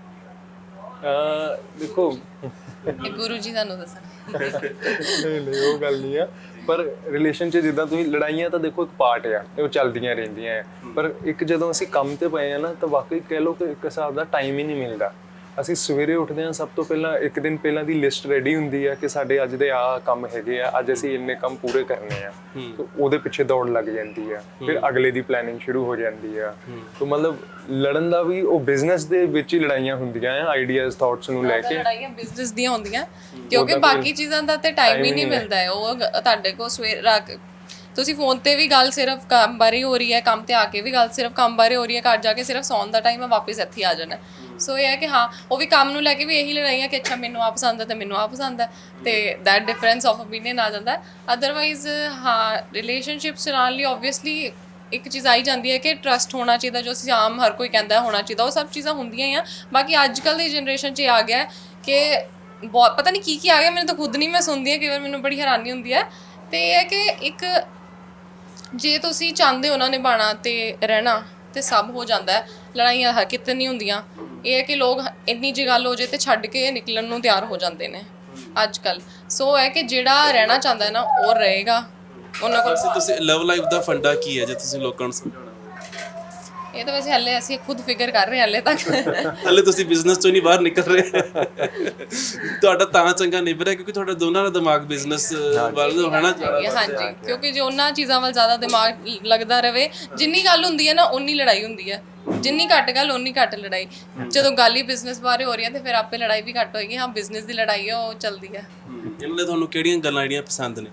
S2: ਦੇਖੋ,
S3: ਗੁਰੂ ਜੀ ਤੁਹਾਨੂੰ ਦੱਸਣ
S2: ਨਹੀਂ ਨਹੀਂ ਉਹ ਗੱਲ ਨਹੀਂ ਆ, ਪਰ ਰਿਲੇਸ਼ਨ 'ਚ ਜਿੱਦਾਂ ਤੁਸੀਂ ਲੜਾਈਆਂ ਤਾਂ ਦੇਖੋ ਇੱਕ ਪਾਰਟ ਆ, ਉਹ ਚੱਲਦੀਆਂ ਰਹਿੰਦੀਆਂ ਆ, ਪਰ ਇੱਕ ਜਦੋਂ ਅਸੀਂ ਕੰਮ ਤੇ ਪਏ ਆ ਨਾ ਤਾਂ ਵਾਕਈ ਕਹਿ ਲਓ ਕਿ ਇੱਕ ਹਿਸਾਬ ਦਾ ਟਾਈਮ ਹੀ ਨਹੀਂ ਮਿਲਦਾ। ਅਸੀਂ ਸਵੇਰੇ ਉੱਠਦੇ ਹਾਂ, ਸਭ ਤੋਂ ਪਹਿਲਾਂ ਇੱਕ ਦਿਨ ਪਹਿਲਾਂ ਦੀ ਲਿਸਟ ਰੈਡੀ ਹੁੰਦੀ ਹੈ ਕਿ ਸਾਡੇ ਅੱਜ ਦੇ ਆਹ ਕੰਮ ਹੈਗੇ ਆ, ਅੱਜ ਅਸੀਂ ਇੰਨੇ ਕੰਮ ਪੂਰੇ ਕਰਨੇ ਆ, ਤੇ ਉਹਦੇ ਪਿੱਛੇ ਦੌੜ ਲੱਗ ਜਾਂਦੀ ਆ, ਫਿਰ ਅਗਲੇ ਦੀ ਪਲੈਨਿੰਗ ਸ਼ੁਰੂ ਹੋ ਜਾਂਦੀ ਆ। ਤੇ ਮਤਲਬ ਲੜਨ ਦਾ ਵੀ ਉਹ ਬਿਜ਼ਨਸ ਦੇ ਵਿੱਚ ਹੀ ਲੜਾਈਆਂ ਹੁੰਦੀਆਂ ਆ, ਆਈਡੀਆਜ਼ ਥਾਟਸ ਨੂੰ ਲੈ ਕੇ।
S3: ਲੜਾਈਆਂ ਬਿਜ਼ਨਸ ਦੀਆਂ ਹੁੰਦੀਆਂ ਕਿਉਂਕਿ ਬਾਕੀ ਚੀਜ਼ਾਂ ਦਾ ਤੇ ਟਾਈਮ ਹੀ ਨਹੀਂ ਮਿਲਦਾ ਹੈ। ਉਹ ਤੁਹਾਡੇ ਕੋਲ ਸਵੇਰ ਰਾਤ ਤੁਸੀਂ ਫੋਨ ਤੇ ਵੀ ਗੱਲ ਸਿਰਫ ਕੰਮ ਬਾਰੇ ਹੋ ਰਹੀ ਹੈ, ਕੰਮ ਤੇ ਆ ਕੇ ਵੀ ਗੱਲ ਸਿਰਫ ਕੰਮ ਬਾਰੇ ਹੋ ਰਹੀ ਹੈ, ਘਰ ਜਾ ਕੇ ਸਿਰਫ ਸੌਣ ਦਾ ਟਾਈਮ ਹੈ, ਵਾਪਸ ਇੱਥੇ ਆ ਜਾਣਾ। ਸੋ ਇਹ ਹੈ ਕਿ ਹਾਂ ਉਹ ਵੀ ਕੰਮ ਨੂੰ ਲੈ ਕੇ ਵੀ ਇਹੀ ਲੜਾਈਆਂ ਕਿ ਅੱਛਾ ਮੈਨੂੰ ਆ ਪਸੰਦ ਹੈ ਤੇ ਮੈਨੂੰ ਆ ਪਸੰਦ ਹੈ, ਤੇ ਦੈਟ ਡਿਫਰੈਂਸ ਆਫ ਓਪੀਨੀਅਨ ਆ ਜਾਂਦਾ ਹੈ। ਅਦਰਵਾਈਜ਼ ਹਾਂ ਰਿਲੇਸ਼ਨਸ਼ਿਪਸ ਚਲਾਉਣ ਲਈ ਓਬਵੀਅਸਲੀ ਇੱਕ ਚੀਜ਼ ਆਈ ਜਾਂਦੀ ਹੈ ਕਿ ਟਰਸਟ ਹੋਣਾ ਚਾਹੀਦਾ, ਜੋ ਅਸੀਂ ਆਮ ਹਰ ਕੋਈ ਕਹਿੰਦਾ ਹੋਣਾ ਚਾਹੀਦਾ, ਉਹ ਸਭ ਚੀਜ਼ਾਂ ਹੁੰਦੀਆਂ ਹੀ ਆ। ਬਾਕੀ ਅੱਜ ਕੱਲ੍ਹ ਦੀ ਜਨਰੇਸ਼ਨ 'ਚ ਇਹ ਆ ਗਿਆ ਕਿ ਬਹੁਤ ਪਤਾ ਨਹੀਂ ਕੀ ਕੀ ਆ ਗਿਆ, ਮੈਨੂੰ ਤਾਂ ਖੁਦ ਨਹੀਂ, ਮੈਂ ਸੁਣਦੀ ਹਾਂ ਕਈ ਵਾਰ ਮੈਨੂੰ ਬੜੀ ਹੈਰਾਨੀ ਹੁੰਦੀ ਹੈ। ਤੇ ਇਹ ਹੈ ਕਿ ਇੱਕ ਜੇ ਤੁਸੀਂ ਚਾਹੁੰਦੇ ਹੋ ਨਾ ਨਿਭਾਉਣਾ ਤੇ ਰਹਿਣਾ ਤੇ ਸਭ ਹੋ ਜਾਂਦਾ ਹੈ, ਲੜਾਈਆਂ ਹਰ ਕਿਤੇ ਨਹੀਂ ਹੁੰਦੀਆਂ। ਇਹ ਹੈ ਕਿ ਲੋਕ ਇੰਨੀ ਜਿਹੀ ਗੱਲ ਹੋ ਜੇ ਤੇ ਛੱਡ ਕੇ ਨਿਕਲਣ ਨੂੰ ਤਿਆਰ ਹੋ ਜਾਂਦੇ ਨੇ ਅੱਜ ਕੱਲ੍ਹ। ਸੋ ਹੈ ਕਿ ਜਿਹੜਾ ਰਹਿਣਾ ਚਾਹੁੰਦਾ ਹੈ ਨਾ ਉਹ ਰਹੇਗਾ ਉਹਨਾਂ ਕੋਲ।
S1: ਤੁਸੀਂ ਲਵ ਲਾਈਫ ਦਾ ਫੰਡਾ ਕੀ ਹੈ ਜੇ ਤੁਸੀਂ ਲੋਕਾਂ ਨੂੰ ਸਮਝਾਉਣਾ?
S3: ਇਹ ਤਾਂ ਵੈਸੇ ਹਲੇ ਅਸੀਂ ਖੁਦ ਫਿਗਰ ਕਰ ਰਹੇ ਹਾਂ ਹਲੇ ਤੱਕ।
S1: ਹਲੇ ਤੁਸੀਂ ਬਿਜ਼ਨਸ ਤੋਂ ਨਹੀਂ ਬਾਹਰ ਨਿਕਲ ਰਹੇ। ਤੁਹਾਡਾ ਤਾਂ ਚੰਗਾ ਨਿਭ ਰਿਹਾ ਕਿਉਂਕਿ ਤੁਹਾਡਾ ਦੋਨਾਂ ਦਾ ਦਿਮਾਗ ਬਿਜ਼ਨਸ ਵੱਲ ਹੈ ਨਾ।
S3: ਹਾਂਜੀ, ਕਿਉਂਕਿ ਜੇ ਉਹਨਾਂ ਚੀਜ਼ਾਂ ਵੱਲ ਜ਼ਿਆਦਾ ਦਿਮਾਗ ਲੱਗਦਾ ਰਵੇ, ਜਿੰਨੀ ਗੱਲ ਹੁੰਦੀ ਹੈ ਨਾ ਉਨੀ ਲੜਾਈ ਹੁੰਦੀ ਹੈ, ਜਿੰਨੀ ਘੱਟ ਗੱਲ ਉਨੀ ਘੱਟ ਲੜਾਈ। ਜਦੋਂ ਗੱਲ ਹੀ ਬਿਜ਼ਨਸ ਬਾਰੇ ਹੋ ਰਹੀ ਹੈ ਤੇ ਫਿਰ ਆਪੇ ਲੜਾਈ ਵੀ ਘੱਟ ਹੋਏਗੀ। ਹਾਂ ਬਿਜ਼ਨਸ ਦੀ ਲੜਾਈ ਹੈ ਉਹ ਚੱਲਦੀ ਹੈ।
S1: ਇਹਨਾਂ ਲਈ ਤੁਹਾਨੂੰ ਕਿਹੜੀਆਂ ਗੱਲਾਂ ਜਿਹੜੀਆਂ ਪਸੰਦ ਨੇ?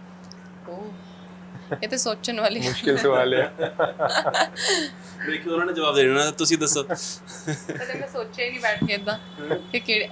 S3: ਇਹ ਤੇ ਸੋਚਣ ਵਾਲੀ
S2: ਮੁਸ਼ਕਿਲ ਸਵਾਲ ਹੈ।
S1: ਦੇਖੋ ਉਹਨਾਂ ਨੇ ਜਵਾਬ ਦੇ ਦੇਣਾ, ਤੁਸੀਂ ਦੱਸੋ।
S3: ਕਦੇ ਮੈਂ ਸੋਚਿਆ ਹੀ ਨਹੀਂ ਬੈਠ ਕੇ ਇਦਾਂ ਕਿ ਕਿਹੜੇ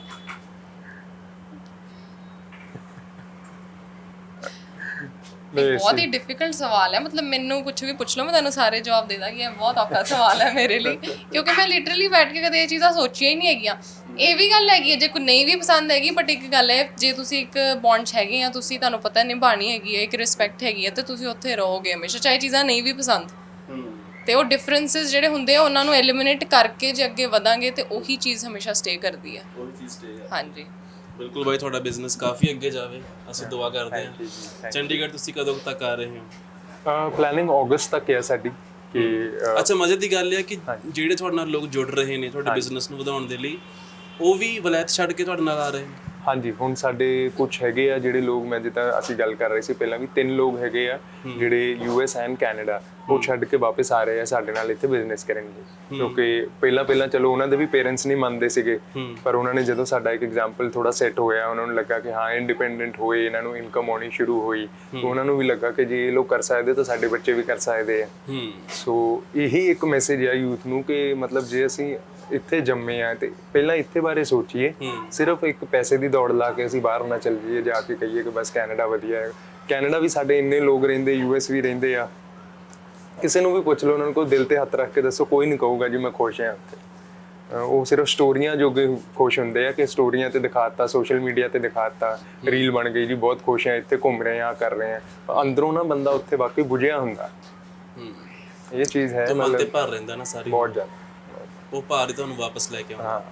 S3: ਬਹੁਤ ਹੀ ਡਿਫਿਕਲਟ ਸਵਾਲ ਹੈ। ਮਤਲਬ ਮੈਨੂੰ ਕੁਝ ਵੀ ਪੁੱਛ ਲਓ ਮੈਂ ਤੁਹਾਨੂੰ ਸਾਰੇ ਜਵਾਬ ਦੇ ਦਾਂਗੀ। ਇਹ ਬਹੁਤ ਔਖਾ ਸਵਾਲ ਹੈ ਮੇਰੇ ਲਈ ਕਿਉਂਕਿ ਮੈਂ ਲਿਟਰਲੀ ਬੈਠ ਕੇ ਕਦੇ ਇਹ ਚੀਜ਼ਾਂ ਸੋਚੀਆਂ ਹੀ ਨਹੀਂ ਹੈਗੀਆਂ। ਇਹ ਵੀ ਗੱਲ ਹੈਗੀ ਹੈ ਜੇ ਕੋਈ ਨਹੀਂ ਵੀ ਪਸੰਦ ਹੈਗੀ, ਬਟ ਇੱਕ ਗੱਲ ਹੈ ਜੇ ਤੁਸੀਂ ਇੱਕ ਬੌਂਡ 'ਚ ਹੈਗੇ ਆ, ਤੁਸੀਂ ਤੁਹਾਨੂੰ ਪਤਾ ਨਿਭਾਉਣੀ ਹੈਗੀ ਹੈ, ਇੱਕ ਰਿਸਪੈਕਟ ਹੈਗੀ ਹੈ, ਤੇ ਤੁਸੀਂ ਉੱਥੇ ਰਹੋਗੇ ਹਮੇਸ਼ਾ, ਚਾਹੇ ਚੀਜ਼ਾਂ ਨਹੀਂ ਵੀ ਪਸੰਦ। ਤੇ ਉਹ ਡਿਫਰੈਂਸਿਸ ਜਿਹੜੇ ਹੁੰਦੇ ਆ ਉਹਨਾਂ ਨੂੰ ਐਲੀਮੀਨੇਟ ਕਰਕੇ ਜੇ ਅੱਗੇ ਵਧਾਂਗੇ ਤੇ ਉਹੀ ਚੀਜ਼ ਹਮੇਸ਼ਾ ਸਟੇ ਕਰਦੀ ਹੈ।
S1: ਉਹੀ ਚੀਜ਼ ਸਟੇ ਹੈ।
S3: ਹਾਂਜੀ
S1: ਬਿਲਕੁਲ ਬਾਈ, ਤੁਹਾਡਾ ਬਿਜ਼ਨਸ ਕਾਫੀ ਅੱਗੇ ਜਾਵੇ, ਅਸੀਂ ਦੁਆ ਕਰਦੇ ਹਾਂ। ਚੰਡੀਗੜ੍ਹ ਤੁਸੀਂ ਕਦੋਂ ਤੱਕ ਆ ਰਹੇ ਹੋ?
S2: ਪਲੈਨਿੰਗ ਅਗਸਤ ਤੱਕ ਹੈ ਸਾਡੀ। ਕਿ
S1: ਅੱਛਾ, ਮਜ਼ੇ ਦੀ ਗੱਲ ਇਹ ਹੈ ਕਿ ਜਿਹੜੇ ਤੁਹਾਡੇ ਨਾਲ ਲੋਕ ਜੁੜ ਰਹੇ ਨੇ ਤੁਹਾਡੇ ਬਿਜ਼ਨਸ ਨੂੰ ਵਧਾਉਣ ਦੇ ਲਈ, ਉਹ ਵੀ ਵਲਾਇਤ ਛੱਡ ਕੇ ਤੁਹਾਡੇ ਨਾਲ ਆ ਰਹੇ ਨੇ।
S2: ਹਾਂਜੀ, ਹੁਣ ਸਾਡੇ ਕੁਝ ਹੈਗੇ ਆ ਜਿਹੜੇ ਲੋਕ, ਮੈਂ ਜਿੱਦਾਂ ਅਸੀਂ ਗੱਲ ਕਰ ਰਹੇ ਸੀ ਪਹਿਲਾਂ ਵੀ, ਤਿੰਨ ਲੋਕ ਹੈਗੇ ਆ ਜਿਹੜੇ ਯੂ ਐਸ ਐਂਡ ਕੈਨੇਡਾ, ਉਹ ਛੱਡ ਕੇ ਵਾਪਸ ਆ ਰਹੇ ਆ ਸਾਡੇ ਨਾਲ ਇੱਥੇ ਬਿਜ਼ਨਸ ਕਰਨ ਲਈ। ਕਿਉਂਕਿ ਪਹਿਲਾਂ ਪਹਿਲਾਂ ਚਲੋ ਉਹਨਾਂ ਦੇ ਵੀ ਪੇਰੈਂਟਸ ਨਹੀਂ ਮੰਨਦੇ ਸੀਗੇ, ਪਰ ਉਹਨਾਂ ਨੇ ਜਦੋਂ ਸਾਡਾ ਇੱਕ ਐਗਜ਼ਾਮਪਲ ਥੋੜਾ ਸੈੱਟ ਹੋਇਆ, ਉਹਨਾਂ ਨੂੰ ਲੱਗਾ ਕਿ ਹਾਂ ਇੰਡੀਪੈਂਡੈਂਟ ਹੋਏ, ਇਹਨਾਂ ਨੂੰ ਇਨਕਮ ਆਉਣੀ ਸ਼ੁਰੂ ਹੋਈ, ਤਾਂ ਉਹਨਾਂ ਨੂੰ ਵੀ ਲੱਗਾ ਕਿ ਜੇ ਇਹ ਲੋਕ ਕਰ ਸਕਦੇ ਤਾਂ ਸਾਡੇ ਬੱਚੇ ਵੀ ਕਰ ਸਕਦੇ ਆ। ਸੋ ਇਹੀ ਇੱਕ ਮੈਸੇਜ ਆ ਯੂਥ ਨੂੰ ਕਿ ਮਤਲਬ ਜੇ ਅਸੀਂ ਇੱਥੇ ਜੰਮੇ ਆ ਤੇ ਪਹਿਲਾਂ ਇੱਥੇ ਬਾਰੇ ਸੋਚੀਏ, ਸਿਰਫ ਇੱਕ ਪੈਸੇ ਦੀ ਦੌੜ ਲਾ ਕੇ ਅਸੀਂ ਬਾਹਰ ਨਾ ਚੱਲ ਜਾਈਏ ਜਾ ਕੇ ਕਹੀਏ ਕਿ ਬਸ ਕੈਨੇਡਾ ਵਧੀਆ ਹੈ। ਕੈਨੇਡਾ ਵੀ ਸਾਡੇ ਇੰਨੇ ਲੋਕ ਰਹਿੰਦੇ, ਯੂ ਐਸ ਵੀ ਰਹਿੰਦੇ ਆ, ਕਿਸੇ ਨੂੰ ਵੀ ਪੁੱਛ ਲਓ ਉਹਨਾਂ ਨੂੰ ਕੋਈ ਦਿਲ ਤੇ ਹੱਥ ਰੱਖ ਕੇ ਦੱਸੋ, ਕੋਈ ਨਹੀਂ ਕਹੂਗਾ ਜੀ ਮੈਂ ਖੁਸ਼ ਹਾਂ ਉੱਥੇ। ਉਹ ਸਿਰਫ ਸਟੋਰੀਆਂ ਜੋਗੇ ਖੁਸ਼ ਹੁੰਦੇ ਆ ਕਿ ਸਟੋਰੀਆਂ ਤੇ ਦਿਖਾਤਾ, ਸੋਸ਼ਲ ਮੀਡੀਆ ਤੇ ਦਿਖਾਤਾ, ਰੀਲ ਬਣ ਗਈ ਜੀ ਬਹੁਤ ਖੁਸ਼ ਹਾਂ ਇੱਥੇ ਘੁੰਮ ਰਹੇ ਹਾਂ ਕਰ ਰਹੇ ਹਾਂ, ਅੰਦਰੋਂ ਨਾ ਬੰਦਾ ਉੱਥੇ ਵਾਕਈ ਬੁਝਿਆ ਹੁੰਦਾ। ਇਹ ਚੀਜ਼ ਹੈ,
S1: ਮਨ ਤੇ ਭਾਰ ਰਹਿੰਦਾ ਨਾ ਸਾਰੀ,
S2: ਬਹੁਤ ਜ਼ਿਆਦਾ।
S1: ਉਹ ਭਾਰ ਹੀ ਤੁਹਾਨੂੰ ਵਾਪਸ ਲੈ ਕੇ ਆਉਂਦਾ।
S2: ਹਾਂ,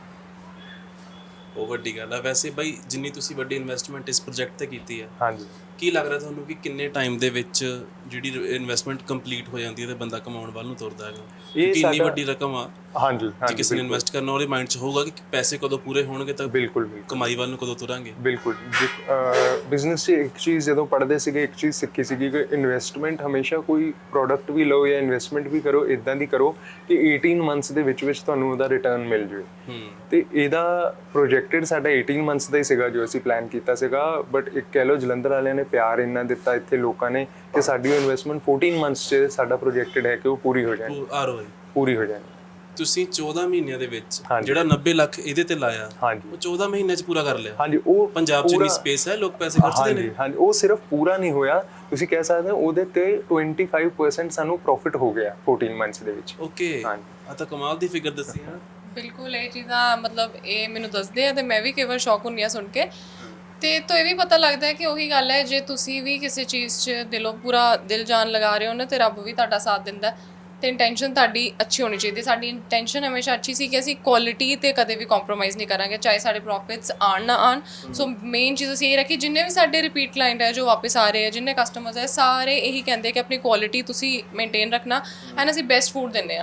S1: ਉਹ ਵੱਡੀ ਗੱਲ ਹੈ। ਵੈਸੇ ਬਾਈ ਜਿੰਨੀ ਤੁਸੀਂ ਵੱਡੀ ਇਨਵੈਸਟਮੈਂਟ ਇਸ ਪ੍ਰੋਜੈਕਟ ਤੇ ਕੀਤੀ ਹੈ,
S2: ਹਾਂਜੀ,
S1: ਕੀ ਲੱਗ ਰਿਹਾ ਤੁਹਾਨੂੰ ਕਿ ਕਿੰਨੇ ਟਾਈਮ ਦੇ ਵਿੱਚ ਜਿਹੜੀ ਇਨਵੈਸਟਮੈਂਟ ਕੰਪਲੀਟ ਹੋ ਜਾਂਦੀ ਹੈ ਤੇ ਬੰਦਾ ਕਮਾਉਣ ਵੱਲ ਨੂੰ ਤੁਰਦਾ ਹੈਗਾ? ਕਿਉਂਕਿ ਇੰਨੀ ਵੱਡੀ ਰਕਮ ਆ,
S2: ਹਾਂਜੀ
S1: ਜੇ
S2: ਹਾਂਜੀ,
S1: ਕਿਸੇ ਨੇ ਇਨਵੈਸਟ ਕਰਨਾ ਉਹਦੇ ਮਾਈਂਡ 'ਚ ਹੋਊਗਾ ਕਿ ਪੈਸੇ ਕਦੋਂ ਪੂਰੇ ਹੋਣਗੇ ਤਾਂ
S2: ਬਿਲਕੁਲ ਬਿਲਕੁਲ
S1: ਕਮਾਈ ਵੱਲ ਨੂੰ ਕਦੋਂ ਤੁਰਾਂਗੇ।
S2: ਬਿਲਕੁਲ। ਬਿਜ਼ਨਸ 'ਚ ਇੱਕ ਚੀਜ਼ ਜਦੋਂ ਪੜ੍ਹਦੇ ਸੀਗੇ, ਇੱਕ ਚੀਜ਼ ਸਿੱਖੀ ਸੀਗੀ ਕਿ ਇਨਵੈਸਟਮੈਂਟ ਹਮੇਸ਼ਾ ਕੋਈ ਪ੍ਰੋਡਕਟ ਵੀ ਲਓ ਜਾਂ ਇਨਵੈਸਟਮੈਂਟ ਵੀ ਕਰੋ, ਇੱਦਾਂ ਦੀ ਕਰੋ ਕਿ ਅਠਾਰਾਂ ਮੰਥਸ ਦੇ ਵਿੱਚ ਵਿੱਚ ਤੁਹਾਨੂੰ ਉਹਦਾ ਰਿਟਰਨ ਮਿਲ ਜਾਵੇ। ਤੇ ਇਹਦਾ ਪ੍ਰੋਜੈਕਟਡ ਸਾਡਾ ਅਠਾਰਾਂ ਮੰਥਸ ਦਾ ਹੀ ਸੀਗਾ ਜੋ ਅਸੀਂ ਪਲਾਨ ਕੀਤਾ ਸੀਗਾ, ਬਟ ਇੱਕ ਕਹਿ ਲਓ ਜਲੰਧਰ ਵਾਲਿਆਂ ਨੇ ਪਿਆਰ ਇੰਨਾ ਦਿੱਤਾ ਇੱਥੇ ਲੋਕਾਂ ਨੇ ਕਿ ਸਾਡੀ ਉਹ ਇਨਵੈਸਟਮੈਂਟ ਚੌਦਾਂ ਮੰਥਸ 'ਚ ਸਾਡਾ ਪ੍ਰੋਜੈਕਟਡ ਹੈ ਕਿ ਉਹ ਪੂਰੀ ਹੋ ਜਾਣੀ,
S1: ਆਰਓਆਈ
S2: ਪੂਰੀ ਹੋ ਜਾਣੀ।
S1: ਤੁਸੀਂ ਚੌਦਾਂ ਮਹੀਨਿਆਂ ਦੇ ਵਿੱਚ ਜਿਹੜਾ ਨੱਬੇ ਲੱਖ ਇਹਦੇ ਤੇ ਲਾਇਆ,
S2: ਹਾਂਜੀ,
S1: ਉਹ ਚੌਦਾਂ ਮਹੀਨਿਆਂ 'ਚ ਪੂਰਾ ਕਰ ਲਿਆ।
S2: ਹਾਂਜੀ, ਉਹ
S1: ਪੰਜਾਬ 'ਚ ਇੰਨੀ ਸਪੇਸ ਹੈ, ਲੋਕ ਪੈਸੇ ਖਰਚਦੇ ਨੇ।
S2: ਹਾਂਜੀ, ਉਹ ਸਿਰਫ ਪੂਰਾ ਨਹੀਂ ਹੋਇਆ, ਤੁਸੀਂ ਕਹਿ ਸਕਦੇ ਹੋ ਉਹਦੇ ਤੇ ਪੱਚੀ ਪਰਸੈਂਟ ਸਾਨੂੰ ਪ੍ਰੋਫਿਟ ਹੋ ਗਿਆ ਚੌਦਾਂ ਮੰਥਸ ਦੇ ਵਿੱਚ।
S1: ਓਕੇ, ਆ ਤਾਂ ਕਮਾਲ ਦੀ ਫਿਗਰ ਦੱਸੀ ਹੈ।
S3: ਬਿਲਕੁਲ, ਇਹ ਚੀਜ਼ਾਂ ਮਤਲਬ ਇਹ ਮੈਨੂੰ ਦੱਸਦੇ ਆ ਤੇ ਮੈਂ ਵੀ ਕਈ ਵਾਰ ਸ਼ੌਕ ਹੁੰਦੀ ਆ ਸੁਣ ਕੇ। ਤੇ ਤੋਂ ਇਹ ਵੀ ਪਤਾ ਲੱਗਦਾ ਹੈ ਕਿ ਉਹੀ ਗੱਲ ਹੈ, ਜੇ ਤੁਸੀਂ ਵੀ ਕਿਸੇ ਚੀਜ਼ 'ਚ ਦਿਲੋਂ ਪੂਰਾ ਦਿਲ ਜਾਨ ਲਗਾ ਰਹੇ ਹੋ ਨਾ ਤੇ ਰੱਬ ਵੀ ਤੁਹਾਡਾ ਸਾਥ ਦਿੰਦਾ। ਤੇ ਇੰਟੈਂਸ਼ਨ ਤੁਹਾਡੀ ਅੱਛੀ ਹੋਣੀ ਚਾਹੀਦੀ। ਸਾਡੀ ਇੰਟੈਂਸ਼ਨ ਹਮੇਸ਼ਾ ਅੱਛੀ ਸੀ ਕਿ ਅਸੀਂ ਕੁਆਲਿਟੀ ਤੇ ਕਦੇ ਵੀ ਕੰਪਰੋਮਾਈਜ਼ ਨਹੀਂ ਕਰਾਂਗੇ, ਚਾਹੇ ਸਾਡੇ ਪ੍ਰੋਫਿਟਸ ਆਣ ਨਾ ਆਣ। ਸੋ ਮੇਨ ਚੀਜ਼ ਅਸੀਂ ਇਹ ਰੱਖੀ, ਜਿੰਨੇ ਵੀ ਸਾਡੇ ਰਿਪੀਟ ਕਲਾਇੰਟ ਹੈ ਜੋ ਵਾਪਸ ਆ ਰਹੇ ਹੈ, ਜਿੰਨੇ ਕਸਟਮਰਸ ਹੈ, ਸਾਰੇ ਇਹੀ ਕਹਿੰਦੇ ਕਿ ਆਪਣੀ ਕੁਆਲਿਟੀ ਤੁਸੀਂ ਮੇਨਟੇਨ ਰੱਖਣਾ ਐਂਡ ਅਸੀਂ ਬੈਸਟ ਫੂਡ ਦਿੰਦੇ ਹਾਂ।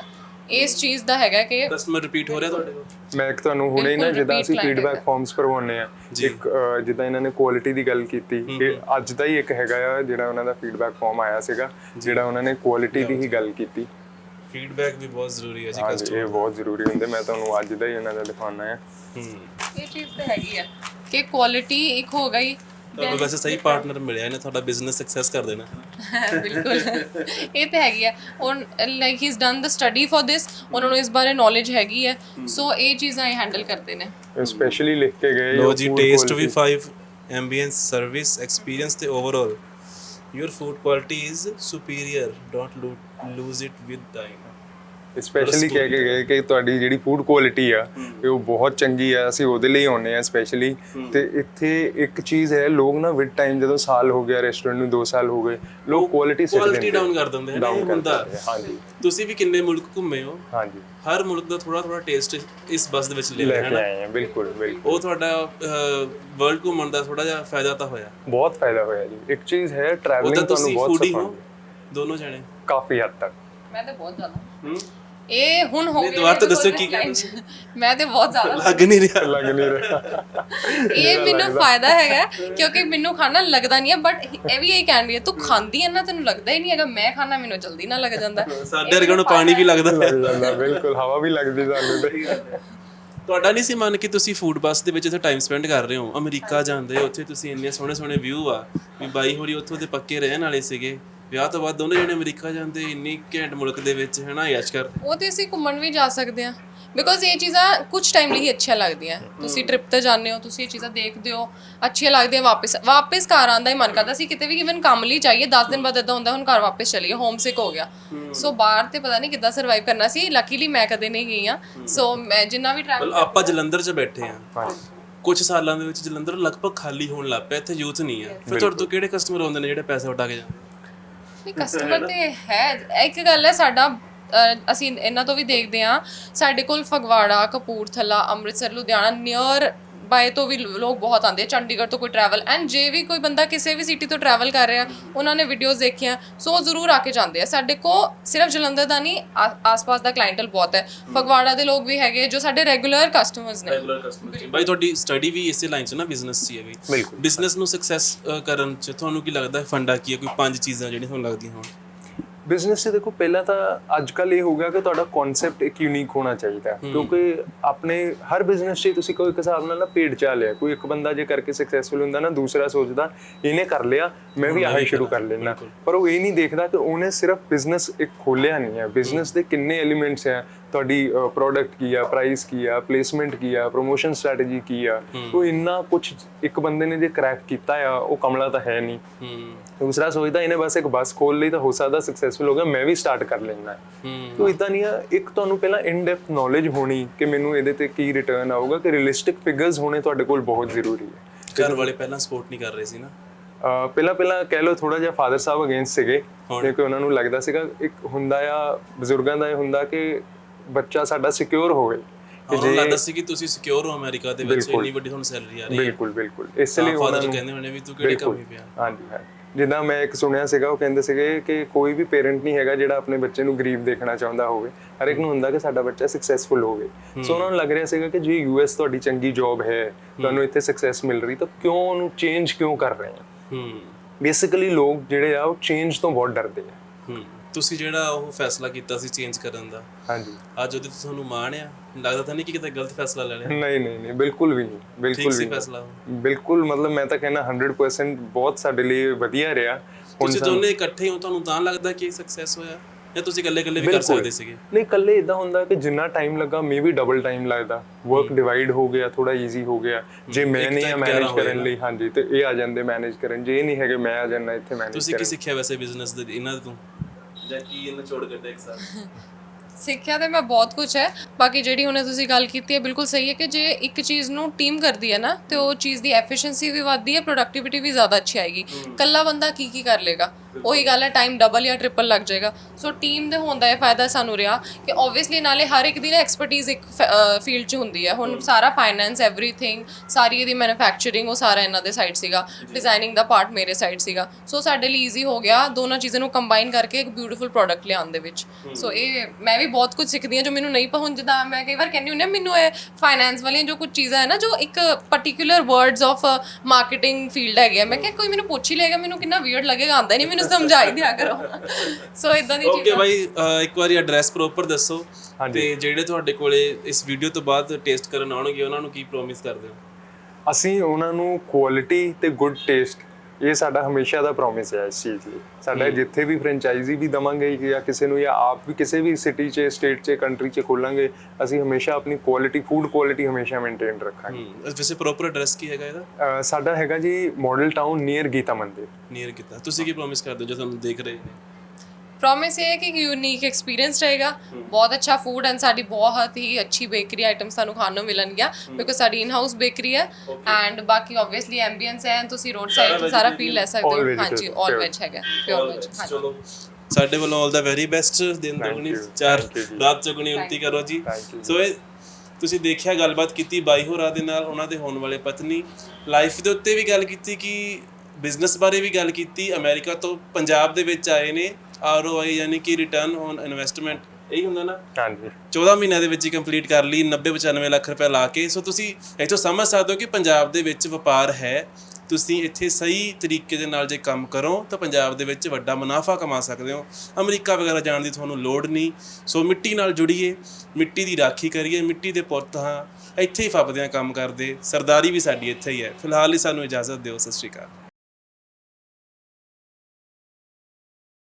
S3: ਇਸ ਚੀਜ਼ ਦਾ ਹੈਗਾ ਕਿ
S1: ਕਸਟਮਰ ਰਿਪੀਟ ਹੋ ਰਿਹਾ ਤੁਹਾਡੇ ਕੋਲ?
S2: ਮੈਂ ਇੱਕ ਤੁਹਾਨੂੰ ਹੁਣੇ ਹੀ ਨਾ
S3: ਬਿਲਕੁਲ
S2: ਜਿੱਦਾਂ
S3: repeat
S2: ਅਸੀਂ
S3: client
S2: ਫੀਡਬੈਕ
S3: ਹੈਗਾ।
S2: ਫਾਰਮਸ ਭਰਵਾਉਂਦੇ ਆ ਇੱਕ ਅਹ, ਜਿੱਦਾਂ ਇਹਨਾਂ ਨੇ ਕੁਆਲਿਟੀ ਦੀ ਗੱਲ ਕੀਤੀ ਕਿ ਅੱਜ ਦਾ ਹੀ ਇੱਕ ਹੈਗਾ ਆ ਜਿਹੜਾ ਉਹਨਾਂ ਦਾ ਫੀਡਬੈਕ ਫਾਰਮ ਆਇਆ ਸੀਗਾ ਜਿਹੜਾ ਉਹਨਾਂ ਨੇ ਕੁਆਲਿਟੀ ਦੀ ਹੀ ਗੱਲ ਕੀਤੀ।
S1: ਫੀਡਬੈਕ ਵੀ ਬਹੁਤ ਜ਼ਰੂਰੀ ਹੈ ਜੀ
S2: ਹਾਂਜੀ
S1: ਕਸਟਮਰ।
S2: ਇਹ ਬਹੁਤ ਜ਼ਰੂਰੀ ਹੁੰਦੇ, ਮੈਂ ਤੁਹਾਨੂੰ ਅੱਜ ਦਾ ਹੀ ਉਹਨਾਂ ਦਾ ਦਿਖਾਉਣਾ ਹੈ।
S1: ਹੂੰ
S3: ਇਹ ਚੀਜ਼ ਤਾਂ ਹੈਗੀ ਆ ਕਿ ਕੁਆਲਿਟੀ ਇੱਕ ਹੋ ਗਈ।
S1: ਤੁਹਾਨੂੰ ਵੈਸੇ ਸਹੀ ਪਾਰਟਨਰ ਮਿਲਿਆ ਇਹਨੇ ਤੁਹਾਡਾ ਬਿਜ਼ਨਸ ਸਕਸੈਸ ਕਰ ਦੇਣਾ।
S3: ਬਿਲਕੁਲ ਇਹ ਤਾਂ ਹੈਗੀ ਆ। ਔਰ like he is done the study for this, ਉਹਨਾਂ ਨੂੰ ਇਸ ਬਾਰੇ ਨੌਲੇਜ ਹੈਗੀ ਹੈ, ਸੋ ਇਹ ਚੀਜ਼ਾਂ ਇਹ ਹੈਂਡਲ ਕਰਦੇ ਨੇ।
S2: ਸਪੈਸ਼ਲੀ ਲਿਖ ਕੇ ਗਏ
S1: ਲੋ ਜੀ ਟੇਸਟ ਵੀ five, ਐਂਬੀਐਂਸ, ਸਰਵਿਸ, ਐਕਸਪੀਰੀਅੰਸ ਤੇ overall your food quality is superior, don't lose it with time.
S2: Specially ਕਹਿ ਕੇ ਗਏ ਕਿ ਤੁਹਾਡੀ ਜਿਹੜੀ ਫੂਡ ਕੁਆਲਿਟੀ ਆ ਇਹ ਉਹ ਬਹੁਤ ਚੰਗੀ ਆ, ਅਸੀਂ ਉਹਦੇ ਲਈ ਆਉਂਦੇ ਆ ਸਪੈਸ਼ਲੀ। ਤੇ ਇੱਥੇ ਇੱਕ ਚੀਜ਼ ਹੈ, ਲੋਕ ਨਾ ਵਿਦ ਟਾਈਮ ਜਦੋਂ ਸਾਲ ਹੋ ਗਿਆ ਰੈਸਟੋਰੈਂਟ ਨੂੰ, ਦੋ ਸਾਲ ਹੋ ਗਏ, ਲੋਕ ਕੁਆਲਿਟੀ ਸਿੱਟ ਦਿੰਦੇ,
S1: ਕੁਆਲਿਟੀ ਡਾਊਨ ਕਰ ਦਿੰਦੇ ਨੇ। ਇਹ ਹੁੰਦਾ।
S2: ਹਾਂਜੀ
S1: ਤੁਸੀਂ ਵੀ ਕਿੰਨੇ ਮੁਲਕ ਘੁੰਮੇ ਹੋ,
S2: ਹਾਂਜੀ
S1: ਹਰ ਮੁਲਕ ਦਾ ਥੋੜਾ ਥੋੜਾ ਟੇਸਟ ਇਸ ਬੱਸ ਦੇ ਵਿੱਚ ਲੈ
S2: ਲੈ
S1: ਲਿਆ
S2: ਕੇ
S1: ਹੈ
S2: ਆਏ ਆ। ਬਿਲਕੁਲ ਬਿਲਕੁਲ
S1: ਉਹ ਤੁਹਾਡਾ ਵਰਲਡ ਘੁੰਮਣ ਦਾ ਥੋੜਾ ਜਿਹਾ ਫਾਇਦਾ ਤਾਂ ਹੋਇਆ।
S2: ਬਹੁਤ ਫਾਇਦਾ ਹੋਇਆ ਜੀ। ਇੱਕ ਚੀਜ਼ ਹੈ
S1: ਉਹਦਾ
S2: ਟਰੈਵਲਿੰਗ ਤੁਹਾਨੂੰ
S1: ਤੁਸੀਂ
S2: ਬਹੁਤ
S1: ਫੂਡੀ
S2: ਸਿਖਾਉਂਦੀ
S1: ਹੋ ਦੋਨੋਂ ਜਣੇ?
S2: ਕਾਫੀ ਹੱਦ ਤੱਕ।
S3: ਮੈਂ ਤਾਂ ਬਹੁਤ ਜ਼ਿਆਦਾ।
S1: ਹੂੰ
S3: ਇਹ ਹੁਣ ਹੋ ਗਿਆ।
S1: ਦੁਬਾਰਾ ਤਾਂ ਦੱਸੋ ਕੀ
S3: ਮੈਂ ਤੇ ਬਹੁਤ ਜ਼ਿਆਦਾ
S1: ਲੱਗ ਨਹੀਂ ਰਿਹਾ।
S2: ਲੱਗ ਨਹੀਂ ਰਿਹਾ।
S3: ਇਹ ਮੈਨੂੰ ਫਾਇਦਾ ਹੈਗਾ ਕਿਉਂਕਿ ਮੈਨੂੰ ਖਾਣਾ ਲੱਗਦਾ ਨਹੀਂ ਹੈ, ਬਟ ਇਹ ਵੀ ਇਹ ਕਹਿਣ ਰਹੀ ਹੈ ਤੂੰ ਖਾਂਦੀ ਹੈ ਨਾ, ਤੈਨੂੰ ਲੱਗਦਾ ਹੀ ਨਹੀਂ ਹੈਗਾ। ਮੈਂ ਖਾਣਾ ਮੈਨੂੰ ਜਲਦੀ ਨਾ ਲੱਗ ਜਾਂਦਾ।
S1: ਸਾਡੇ ਵਰਗੇ ਨੂੰ ਪਾਣੀ ਵੀ ਲੱਗਦਾ ਹੈ।
S2: ਲੱਗ ਜਾਂਦਾ ਬਿਲਕੁਲ, ਹਵਾ ਵੀ ਲੱਗਦੀ ਸਾਨੂੰ ਤੇ।
S1: ਤੁਹਾਡਾ ਨਹੀਂ ਸੀ ਮਨ ਕਿ ਤੁਸੀਂ ਫੂਡ ਬੱਸ ਦੇ ਵਿੱਚ ਇੱਥੇ ਟਾਈਮ ਸਪੈਂਡ ਕਰ ਰਹੇ ਹੋ, ਅਮਰੀਕਾ ਜਾਂਦੇ ਹੋ, ਉੱਥੇ ਤੁਸੀਂ ਇੰਨੇ ਸੋਹਣੇ ਸੋਹਣੇ ਵਿਊ ਆ, ਵੀ ਬਾਈ ਹੋਰੀ ਉੱਥੋਂ ਦੇ ਪੱਕੇ ਰਹਿਣ ਵਾਲੇ ਸੀਗੇ, ਵਿਆਹ ਤੋਂ ਬਾਅਦ ਦੋਨੇ ਜਣੇ ਅਮਰੀਕਾ ਜਾਂਦੇ, ਇੰਨੀ ਘੈਂਟ ਮੁਲਕ ਦੇ ਵਿੱਚ ਹੈ ਨਾ, ਯਸ਼ ਕਰਦੇ।
S3: ਉਹ ਤੇ ਅਸੀਂ ਘੁੰਮਣ ਵੀ ਜਾ ਸਕਦੇ ਹਾਂ, ਬਿਕੋਜ਼ ਇਹ ਚੀਜ਼ਾਂ ਕੁਝ ਟਾਈਮ ਲਈ ਹੀ ਅੱਛੀਆਂ ਲੱਗਦੀਆਂ। ਤੁਸੀਂ ਟ੍ਰਿਪ ਤੇ ਜਾਂਦੇ ਹੋ, ਤੁਸੀਂ ਇਹ ਚੀਜ਼ਾਂ ਦੇਖਦੇ ਹੋ, ਅੱਛੀਆਂ ਲੱਗਦੀਆਂ, ਵਾਪਸ ਵਾਪਸ ਘਰ ਆਉਣ ਦਾ ਹੀ ਮਨ ਕਰਦਾ ਸੀ। ਕਿਤੇ ਵੀ ਇਵਨ ਕੰਮ ਲਈ ਜਾਈਏ ਦਸ ਦਿਨ ਬਾਅਦ ਇੱਦਾਂ ਹੁੰਦਾ ਹੁਣ ਘਰ ਵਾਪਸ ਚਲੀਏ, ਹੋਮ ਸਿਕ ਹੋ ਗਿਆ। ਸੋ ਬਾਹਰ ਤੇ ਪਤਾ ਨਹੀਂ ਕਿੱਦਾਂ ਸਰਵਾਈਵ ਕਰਨਾ ਸੀ। ਲੱਕੀਲੀ ਮੈਂ ਕਦੇ ਨਹੀਂ ਗਈ ਹਾਂ, ਸੋ ਮੈਂ ਜਿੰਨਾ ਵੀ ਟਰੈਵਲ।
S1: ਆਪਾਂ ਜਲੰਧਰ 'ਚ ਬੈਠੇ ਆ, ਕੁਝ ਸਾਲਾਂ ਦੇ ਵਿੱਚ ਜਲੰਧਰ ਲਗਭਗ ਖਾਲੀ ਹੋਣ ਲੱਗ ਪਿਆ, ਇੱਥੇ ਯੂਥ ਨਹੀਂ ਹੈ। ਫਿਰ ਤੁਹਾਡੇ ਤੋਂ ਕਿਹੜੇ ਕਸਟਮਰ ਆਉਂਦੇ ਨੇ ਜਿਹੜੇ ਪੈਸੇ ਉਡਾ ਕੇ ਜਾਂਦੇ?
S3: ਨਹੀਂ ਕਸਟਮਰ ਤੇ ਹੈ। ਇੱਕ ਗੱਲ ਹੈ, ਸਾਡਾ ਅਸੀਂ ਇਹਨਾਂ ਤੋਂ ਵੀ ਦੇਖਦੇ ਹਾਂ, ਸਾਡੇ ਕੋਲ ਫਗਵਾੜਾ, ਕਪੂਰਥਲਾ, ਅੰਮ੍ਰਿਤਸਰ, ਲੁਧਿਆਣਾ ਨੀਅਰ ਬਾਏ ਤੋਂ ਵੀ ਲੋਕ ਬਹੁਤ ਆਉਂਦੇ ਆ, ਚੰਡੀਗੜ੍ਹ ਤੋਂ ਕੋਈ ਟਰੈਵਲ। ਐਂਡ ਜੇ ਵੀ ਕੋਈ ਬੰਦਾ ਕਿਸੇ ਵੀ ਸਿਟੀ ਤੋਂ ਟਰੈਵਲ ਕਰ ਰਿਹਾ, ਉਹਨਾਂ ਨੇ ਵੀਡੀਓਜ਼ ਦੇਖੀਆਂ, ਸੋ ਉਹ ਜ਼ਰੂਰ ਆ ਕੇ ਜਾਂਦੇ ਆ ਸਾਡੇ ਕੋਲ। ਸਿਰਫ ਜਲੰਧਰ ਦਾ ਨਹੀਂ, ਆਸ-ਪਾਸ ਦਾ ਕਲਾਇੰਟਲ ਬਹੁਤ ਹੈ। ਫਗਵਾੜਾ ਦੇ ਲੋਕ ਵੀ ਹੈਗੇ ਜੋ ਸਾਡੇ ਰੈਗੂਲਰ ਕਸਟਮਰਸ ਨੇ।
S1: Regular customer. ਬਾਈ ਤੁਹਾਡੀ ਸਟੱਡੀ ਵੀ ਇਸੇ ਲਾਈਨ 'ਚ ਨਾ, ਬਿਜ਼ਨਸ 'ਚ ਹੀ ਹੈ ਬਈ।
S2: ਬਿਲਕੁਲ।
S1: ਬਿਜ਼ਨਸ ਨੂੰ ਸਕਸੈਸ ਕਰਨ 'ਚ ਤੁਹਾਨੂੰ ਕੀ ਲੱਗਦਾ ਫੰਡਾ ਕੀ ਹੈ? ਕੋਈ ਪੰਜ ਚੀਜ਼ਾਂ ਜਿਹੜੀਆਂ ਤੁਹਾਨੂੰ ਲੱਗਦੀਆਂ ਹੋਣ?
S2: ਬਿਜ਼ਨਸ 'ਚ ਦੇਖੋ, ਪਹਿਲਾਂ ਤਾਂ ਅੱਜ ਕੱਲ੍ਹ ਇਹ ਹੋ ਗਿਆ ਕਿ ਤੁਹਾਡਾ ਕਨਸੈਪਟ ਇੱਕ ਯੂਨੀਕ ਹੋਣਾ ਚਾਹੀਦਾ, ਕਿਉਂਕਿ ਆਪਣੇ ਹਰ ਬਿਜ਼ਨਸ 'ਚ ਤੁਸੀਂ ਕੋਈ ਇੱਕ ਹਿਸਾਬ ਨਾਲ ਨਾ ਪੇੜ ਚਾਹ ਲਿਆ। ਕੋਈ ਇੱਕ ਬੰਦਾ ਜੇ ਕਰਕੇ ਸਕਸੈਸਫੁਲ ਹੁੰਦਾ ਨਾ, ਦੂਸਰਾ ਸੋਚਦਾ ਇਹਨੇ ਕਰ ਲਿਆ, ਮੈਂ ਵੀ ਆਹੀ ਸ਼ੁਰੂ ਕਰ ਲੈਣਾ। ਪਰ ਉਹ ਇਹ ਨਹੀਂ ਦੇਖਦਾ ਕਿ ਉਹਨੇ ਸਿਰਫ ਬਿਜ਼ਨਸ ਇੱਕ ਖੋਲਿਆ ਨਹੀਂ ਹੈ, ਬਿਜ਼ਨਸ ਦੇ ਕਿੰਨੇ ਐਲੀਮੈਂਟਸ ਹੈ। ਤੁਹਾਡੀ ਪ੍ਰੋਡਕਟ ਕੀ ਆ, ਪ੍ਰਾਈਸ ਕੀ ਆ, ਪਲੇਸਮੈਂਟ ਕੀ ਆ, ਪ੍ਰੋਮੋਸ਼ਨ ਸਟ੍ਰੈਟਜੀ ਕੀ ਆ। ਉਹ ਇੰਨਾ ਕੁਝ ਇੱਕ ਬੰਦੇ ਨੇ ਜੇ ਕਰੈਕ ਕੀਤਾ ਆ, ਉਹ ਕਮਲਾ ਤਾਂ ਹੈ ਨਹੀਂ। ਦੂਸਰਾ ਸੋਚਦਾ ਇਹਨੇ ਬਸ ਇੱਕ ਬੱਸ ਖੋਲ ਲਈ ਤਾਂ ਹੋ ਸਕਦਾ ਸਕਸੈਸਫੁਲ ਹੋ ਗਿਆ, ਮੈਂ ਵੀ ਸਟਾਰਟ ਕਰ ਲੈਣਾ। ਤਾਂ ਇਦਾਂ ਨਹੀਂ ਆ। ਇੱਕ ਤੁਹਾਨੂੰ ਪਹਿਲਾਂ ਇਨ ਡੈਪਥ ਨੌਲੇਜ ਹੋਣੀ ਕਿ ਮੈਨੂੰ ਇਹਦੇ ਤੇ ਕੀ ਰਿਟਰਨ ਆਊਗਾ, ਕਿ ਰੀਅਲਿਸਟਿਕ ਫਿਗਰਸ ਹੋਣੇ ਤੁਹਾਡੇ ਕੋਲ ਬਹੁਤ ਜ਼ਰੂਰੀ ਹੈ।
S1: ਘਰ ਵਾਲੇ ਪਹਿਲਾਂ ਸਪੋਰਟ ਨਹੀਂ ਕਰ ਰਹੇ ਸੀ ਨਾ?
S2: ਪਹਿਲਾਂ ਪਹਿਲਾਂ ਕਹਿ ਲਓ ਥੋੜਾ ਜਿਹਾ ਫਾਦਰ ਸਾਹਿਬ ਅਗੇਂਸਟ ਸੀਗੇ, ਕਿਉਂਕਿ ਉਹਨਾਂ ਨੂੰ ਲੱਗਦਾ ਸੀਗਾ, ਇੱਕ ਹੁੰਦਾ ਆ ਬਜ਼ੁਰਗਾਂ ਦਾ ਇਹ ਹੁੰਦਾ ਕਿ ਬੱਚਾ ਸਾਡਾ ਸਿਕਿਉਰ ਹੋਵੇ।
S1: ਉਹਨਾਂ ਨੂੰ ਲੱਗਦਾ ਸੀ ਕਿ ਤੁਸੀਂ ਸਿਕਿਉਰ ਹੋ ਅਮਰੀਕਾ ਦੇ ਵਿੱਚ, ਇੰਨੀ ਵੱਡੀ ਤੁਹਾਨੂੰ ਸੈਲਰੀ ਆ ਰਹੀ ਹੈ।
S2: ਬਿਲਕੁਲ ਬਿਲਕੁਲ। ਇਸ ਲਈ
S1: ਉਹਨਾਂ ਨੂੰ ਕਹਿੰਦੇ ਹੋਣੇ ਵੀ ਤੂੰ ਕਿਹੜੇ ਕੰਮ ਹੀ ਪਿਆ।
S2: ਹਾਂਜੀ ਹਾਂ। ਜਿੱਦਾਂ ਮੈਂ ਇੱਕ ਸੁਣਿਆ ਸੀਗਾ, ਉਹ ਕਹਿੰਦੇ ਸੀਗੇ ਕਿ ਕੋਈ ਵੀ ਪੇਰੈਂਟ ਨਹੀਂ ਹੈਗਾ ਜਿਹੜਾ ਆਪਣੇ ਬੱਚੇ ਨੂੰ ਗਰੀਬ ਦੇਖਣਾ ਚਾਹੁੰਦਾ ਹੋਵੇ। ਹਰ ਇੱਕ ਨੂੰ ਹੁੰਦਾ ਕਿ ਸਾਡਾ ਬੱਚਾ ਸਕਸੈਸਫੁਲ ਹੋਵੇ। ਸੋ ਉਹਨਾਂ ਨੂੰ ਲੱਗ ਰਿਹਾ ਸੀਗਾ ਕਿ ਜੇ ਯੂ ਐਸ ਤੁਹਾਡੀ ਚੰਗੀ ਜੌਬ ਹੈ, ਤੁਹਾਨੂੰ ਇੱਥੇ ਸਕਸੈਸ ਮਿਲ ਰਹੀ, ਤਾਂ ਕਿਉਂ ਉਹਨੂੰ ਚੇਂਜ ਕਿਉਂ ਕਰ ਰਹੇ ਆ। ਬੇਸਿਕਲੀ ਲੋਕ ਜਿਹੜੇ ਆ ਉਹ ਚੇਂਜ ਤੋਂ ਬਹੁਤ ਡਰਦੇ ਆ।
S1: ਤੁਸੀਂ ਜਿਹੜਾ ਉਹ ਫੈਸਲਾ ਕੀਤਾ ਸੀ ਚੇਂਜ ਕਰਨ ਦਾ,
S2: ਹਾਂਜੀ,
S1: ਅੱਜ ਉਹਦੇ ਤੇ ਤੁਹਾਨੂੰ ਮਾਣ ਆ? ਲੱਗਦਾ ਤਾਂ ਨਹੀਂ ਕਿ ਕਿਤੇ ਗਲਤ ਫੈਸਲਾ ਲੈ ਲਿਆ?
S2: ਨਹੀਂ ਨਹੀਂ ਨਹੀਂ, ਬਿਲਕੁਲ ਵੀ ਨਹੀਂ, ਬਿਲਕੁਲ ਵੀ
S1: ਫੈਸਲਾ
S2: ਬਿਲਕੁਲ। ਮਤਲਬ ਮੈਂ ਤਾਂ ਕਹਿੰਦਾ ਹੰਡਰਡ ਪਰਸੈਂਟ ਬਹੁਤ ਸਾਡੇ ਲਈ ਵਧੀਆ ਰਿਹਾ।
S1: ਤੁਸੀਂ ਦੋਨੇ ਇਕੱਠੇ ਹੋ, ਤੁਹਾਨੂੰ ਤਾਂ ਲੱਗਦਾ ਕਿ ਸਕਸੈਸ ਹੋਇਆ, ਜਾਂ ਤੁਸੀਂ ਇਕੱਲੇ ਇਕੱਲੇ ਵੀ ਕਰ ਸਕਦੇ ਸੀਗੇ?
S2: ਨਹੀਂ, ਇਕੱਲੇ ਇਦਾਂ ਹੁੰਦਾ ਕਿ ਜਿੰਨਾ ਟਾਈਮ ਲੱਗਾ ਮੇ ਵੀ ਡਬਲ ਟਾਈਮ ਲੱਗਦਾ। ਵਰਕ ਡਿਵਾਈਡ ਹੋ ਗਿਆ, ਥੋੜਾ ਈਜ਼ੀ ਹੋ ਗਿਆ। ਜੇ ਮੈਂ ਨਹੀਂ ਆ ਮੈਨੇਜ ਕਰਨ ਲਈ, ਹਾਂਜੀ, ਤੇ ਇਹ ਆ ਜਾਂਦੇ ਮੈਨੇਜ ਕਰਨ। ਜੇ ਇਹ ਨਹੀਂ ਹੈਗੇ ਮੈਂ ਆ ਜਾਣਾ ਇੱਥੇ ਮੈਨੇਜ ਕਰਨ।
S1: ਤੁਸੀਂ ਕੀ ਸਿੱਖਿਆ ਵੈਸੇ ਬਿਜ਼ਨਸ ਦੇ ਇਹਨਾਂ ਤੋਂ, ਜਾਂ ਕੀ ਇਹਨਾਂ ਛੋੜ ਕੱਢਿਆ ਇੱਕ ਸਾਲ?
S3: ਸਿੱਖਿਆ ਤੇ ਮੈਂ ਬਹੁਤ ਕੁਝ ਹੈ। ਬਾਕੀ ਜਿਹੜੀ ਹੁਣੇ ਤੁਸੀਂ ਗੱਲ ਕੀਤੀ ਹੈ ਬਿਲਕੁਲ ਸਹੀ ਹੈ ਕਿ ਜੇ ਇੱਕ ਚੀਜ਼ ਨੂੰ ਟੀਮ ਕਰਦੀ ਹੈ ਨਾ, ਤੇ ਉਹ ਚੀਜ਼ ਦੀ ਐਫੀਸ਼ੀਐਂਸੀ ਵੀ ਵੱਧਦੀ ਹੈ, ਪ੍ਰੋਡਕਟਿਵਿਟੀ ਵੀ ਜ਼ਿਆਦਾ ਅੱਛੀ ਆਏਗੀ। ਇਕੱਲਾ ਬੰਦਾ ਕੀ ਕੀ ਕਰ ਲੇਗਾ? ਉਹੀ ਗੱਲ ਹੈ, ਟਾਈਮ ਡਬਲ ਜਾਂ ਟ੍ਰਿਪਲ ਲੱਗ ਜਾਏਗਾ। ਸੋ ਟੀਮ ਦੇ ਹੋਣ ਦਾ ਇਹ ਫਾਇਦਾ ਸਾਨੂੰ ਰਿਹਾ ਕਿ ਓਬਵੀਅਸਲੀ ਨਾਲੇ ਹਰ ਇੱਕ ਦੀ ਨਾ ਐਕਸਪਰਟੀਜ਼ ਇੱਕ ਫੀਲਡ 'ਚ ਹੁੰਦੀ ਹੈ। ਹੁਣ ਸਾਰਾ ਫਾਈਨੈਂਸ ਐਵਰੀਥਿੰਗ ਸਾਰੀ ਇਹਦੀ ਮੈਨੂਫੈਕਚਰਿੰਗ ਉਹ ਸਾਰਾ ਇਹਨਾਂ ਦੇ ਸਾਈਡ ਸੀਗਾ, ਡਿਜ਼ਾਈਨਿੰਗ ਦਾ ਪਾਰਟ ਮੇਰੇ ਸਾਈਡ ਸੀਗਾ। ਸੋ ਸਾਡੇ ਲਈ ਈਜ਼ੀ ਹੋ ਗਿਆ ਦੋਨਾਂ ਚੀਜ਼ਾਂ ਨੂੰ ਕੰਬਾਈਨ ਕਰਕੇ ਇੱਕ ਬਿਊਟੀਫੁਲ ਪ੍ਰੋਡਕਟ ਲਿਆਉਣ ਦੇ ਵਿੱਚ। ਸੋ ਇਹ ਮੈਂ ਵੀ ਬਹੁਤ ਕੁਝ ਸਿੱਖਦੀ ਹਾਂ ਜੋ ਮੈਨੂੰ ਨਹੀਂ ਪਹੁੰਚ, ਜਿੱਦਾਂ ਮੈਂ ਕਈ ਵਾਰ ਕਹਿੰਦੀ ਹੁੰਦੀ ਹਾਂ ਮੈਨੂੰ ਇਹ ਫਾਈਨੈਂਸ ਵਾਲੀਆਂ ਜੋ ਕੁਝ ਚੀਜ਼ਾਂ ਹੈ ਨਾ ਜੋ ਇੱਕ particular words of marketing field ਹੈਗੇ ਆ, ਮੈਂ ਕਿਹਾ ਕੋਈ ਮੈਨੂੰ ਪੁੱਛ ਹੀ ਲਏਗਾ ਮੈਨੂੰ ਕਿੰਨਾ ਵੀਅਰਡ ਲੱਗੇਗਾ, ਆਉਂਦਾ ਨਹੀਂ ਮੈਨੂੰ ਸਮਝਾਈ ਦਿਆ ਕਰੋ। ਸੋ ਇਦਾਂ ਦੀ
S1: ਓਕੇ ਬਾਈ, ਅਹ ਇੱਕ ਵਾਰੀ ਐਡਰੈਸ ਪ੍ਰੋਪਰ ਦੱਸੋ ਤੇ ਜਿਹੜੇ ਤੁਹਾਡੇ ਕੋਲੇ ਇਸ ਵੀਡੀਓ ਤੋਂ ਬਾਅਦ ਟੇਸਟ ਕਰਨ ਆਉਣਗੇ ਉਹਨਾਂ ਨੂੰ ਕੀ ਪ੍ਰੋਮਿਸ ਕਰਦੇ ਹੋ?
S2: ਅਸੀਂ ਉਹਨਾਂ ਨੂੰ ਕੁਆਲਿਟੀ ਤੇ ਗੁੱਡ ਟੇਸਟ, ਇਹ ਸਾਡਾ ਹਮੇਸ਼ਾ ਦਾ ਪ੍ਰੋਮਿਸ ਹੈ ਇਸ ਚੀਜ਼ ਲਈ। ਸਾਡਾ ਜਿੱਥੇ ਵੀ ਫਰੈਂਚਾਈਜ਼ੀ ਵੀ ਦਵਾਂਗੇ ਜਾਂ ਕਿਸੇ ਨੂੰ ਜਾਂ ਆਪ ਵੀ ਕਿਸੇ ਵੀ ਸਿਟੀ 'ਚ ਸਟੇਟ 'ਚ ਕੰਟਰੀ 'ਚ ਖੋਲਾਂਗੇ, ਅਸੀਂ ਹਮੇਸ਼ਾ ਆਪਣੀ ਕੁਆਲਿਟੀ ਫੂਡ ਕੁਆਲਿਟੀ ਹਮੇਸ਼ਾ ਮੇਨਟੇਨ ਰੱਖਾਂਗੇ।
S1: ਵੈਸੇ ਪ੍ਰੋਪਰ ਐਡਰੈਸ ਕੀ ਹੈਗਾ ਇਹਦਾ?
S2: ਅਹ ਸਾਡਾ ਹੈਗਾ ਜੀ ਮਾਡਲ ਟਾਊਨ ਨੀਅਰ ਗੀਤਾ ਮੰਦਿਰ।
S1: ਨੀਅਰ ਕੀਤਾ। ਤੁਸੀਂ ਕੀ ਪ੍ਰੋਮਿਸ ਕਰਦੇ ਹੋ ਜੋ ਤੁਹਾਨੂੰ ਦੇਖ ਰਹੇ ਨੇ?
S3: ਪ੍ਰੋਮਿਸ ਇਹ ਹੈ ਕਿ ਯੂਨੀਕ ਐਕਸਪੀਰੀਅੰਸ ਰਹੇਗਾ, ਬਹੁਤ ਅੱਛਾ ਫੂਡ ਐਂਡ ਸਾਡੀ ਬਹੁਤ ਹੀ ਅੱਛੀ ਬੇਕਰੀ ਆਈਟਮਸ ਤੁਹਾਨੂੰ ਖਾਣ ਨੂੰ ਮਿਲਣਗੀਆਂ ਬਿਕੋਜ਼ ਸਾਡੀ ਇਨ ਹਾਊਸ ਬੇਕਰੀ ਹੈ। ਐਂਡ ਬਾਕੀ ਓਬਵੀਅਸਲੀ ਐਂਬੀਐਂਸ ਹੈ, ਤੁਸੀਂ ਰੋਡ ਸਾਈਡ ਸਾਰਾ ਫੀਲ ਲੈ ਸਕਦੇ ਹੋ। ਹਾਂਜੀ, ਆਲ ਵੈਜ ਹੈਗਾ, ਪਿਓਰ ਵੈਜ।
S1: ਚਲੋ ਸਾਡੇ ਵੱਲੋਂ ਆਲ ਦਾ ਵੈਰੀ ਬੈਸਟ। ਦਿਨ ਦੁਗਣੀ ਚਾਰ ਰਾਤ ਚੌਗੁਣੀ ਉਨਤੀ ਕਰੋ ਜੀ। ਸੋ ਇਹ ਤੁਸੀਂ ਦੇਖਿਆ, ਗੱਲਬਾਤ ਕੀਤੀ ਬਾਈ ਹੋਰਾਂ ਦੇ ਨਾਲ, ਉਹਨਾਂ ਦੇ ਹੋਣ ਵਾਲੇ ਪਤਨੀ, ਲਾਈਫ ਦੇ ਉੱਤੇ ਵੀ ਗੱਲ ਕੀਤੀ ਕਿ ਬਿਜ਼ਨਸ ਬਾਰੇ ਵੀ ਗੱਲ ਕੀਤੀ। ਅਮਰੀਕਾ ਤੋਂ ਪੰਜਾਬ ਦੇ ਵਿੱਚ ਆਏ ਨੇ, ਆਰ ਓ ਆਈ ਯਾਨੀ ਕਿ ਰਿਟਰਨ ਔਨ ਇਨਵੈਸਟਮੈਂਟ ਇਹੀ ਹੁੰਦਾ ਨਾ,
S2: ਹਾਂਜੀ
S1: ਚੌਦਾਂ ਮਹੀਨਿਆਂ ਦੇ ਵਿੱਚ ਹੀ ਕੰਪਲੀਟ ਕਰ ਲਈ ਨੱਬੇ ਪਚਾਨਵੇਂ ਲੱਖ ਰੁਪਏ ਲਾ ਕੇ। ਸੋ ਤੁਸੀਂ ਇੱਥੋਂ ਸਮਝ ਸਕਦੇ ਹੋ ਕਿ ਪੰਜਾਬ ਦੇ ਵਿੱਚ ਵਪਾਰ ਹੈ। ਤੁਸੀਂ ਇੱਥੇ ਸਹੀ ਤਰੀਕੇ ਦੇ ਨਾਲ ਜੇ ਕੰਮ ਕਰੋ ਤਾਂ ਪੰਜਾਬ ਦੇ ਵਿੱਚ ਵੱਡਾ ਮੁਨਾਫਾ ਕਮਾ ਸਕਦੇ ਹੋ। ਅਮਰੀਕਾ ਵਗੈਰਾ ਜਾਣ ਦੀ ਤੁਹਾਨੂੰ ਲੋੜ ਨਹੀਂ। ਸੋ ਮਿੱਟੀ ਨਾਲ ਜੁੜੀਏ, ਮਿੱਟੀ ਦੀ ਰਾਖੀ ਕਰੀਏ, ਮਿੱਟੀ ਦੇ ਪੁੱਤ ਹਾਂ, ਇੱਥੇ ਹੀ ਫੱਬਦਿਆਂ ਕੰਮ ਕਰਦੇ। ਸਰਦਾਰੀ ਵੀ ਸਾਡੀ ਇੱਥੇ ਹੀ ਹੈ। ਫਿਲਹਾਲ ਹੀ ਸਾਨੂੰ ਇਜਾਜ਼ਤ ਦਿਓ। ਸਤਿ ਸ਼੍ਰੀ ਅਕਾਲ।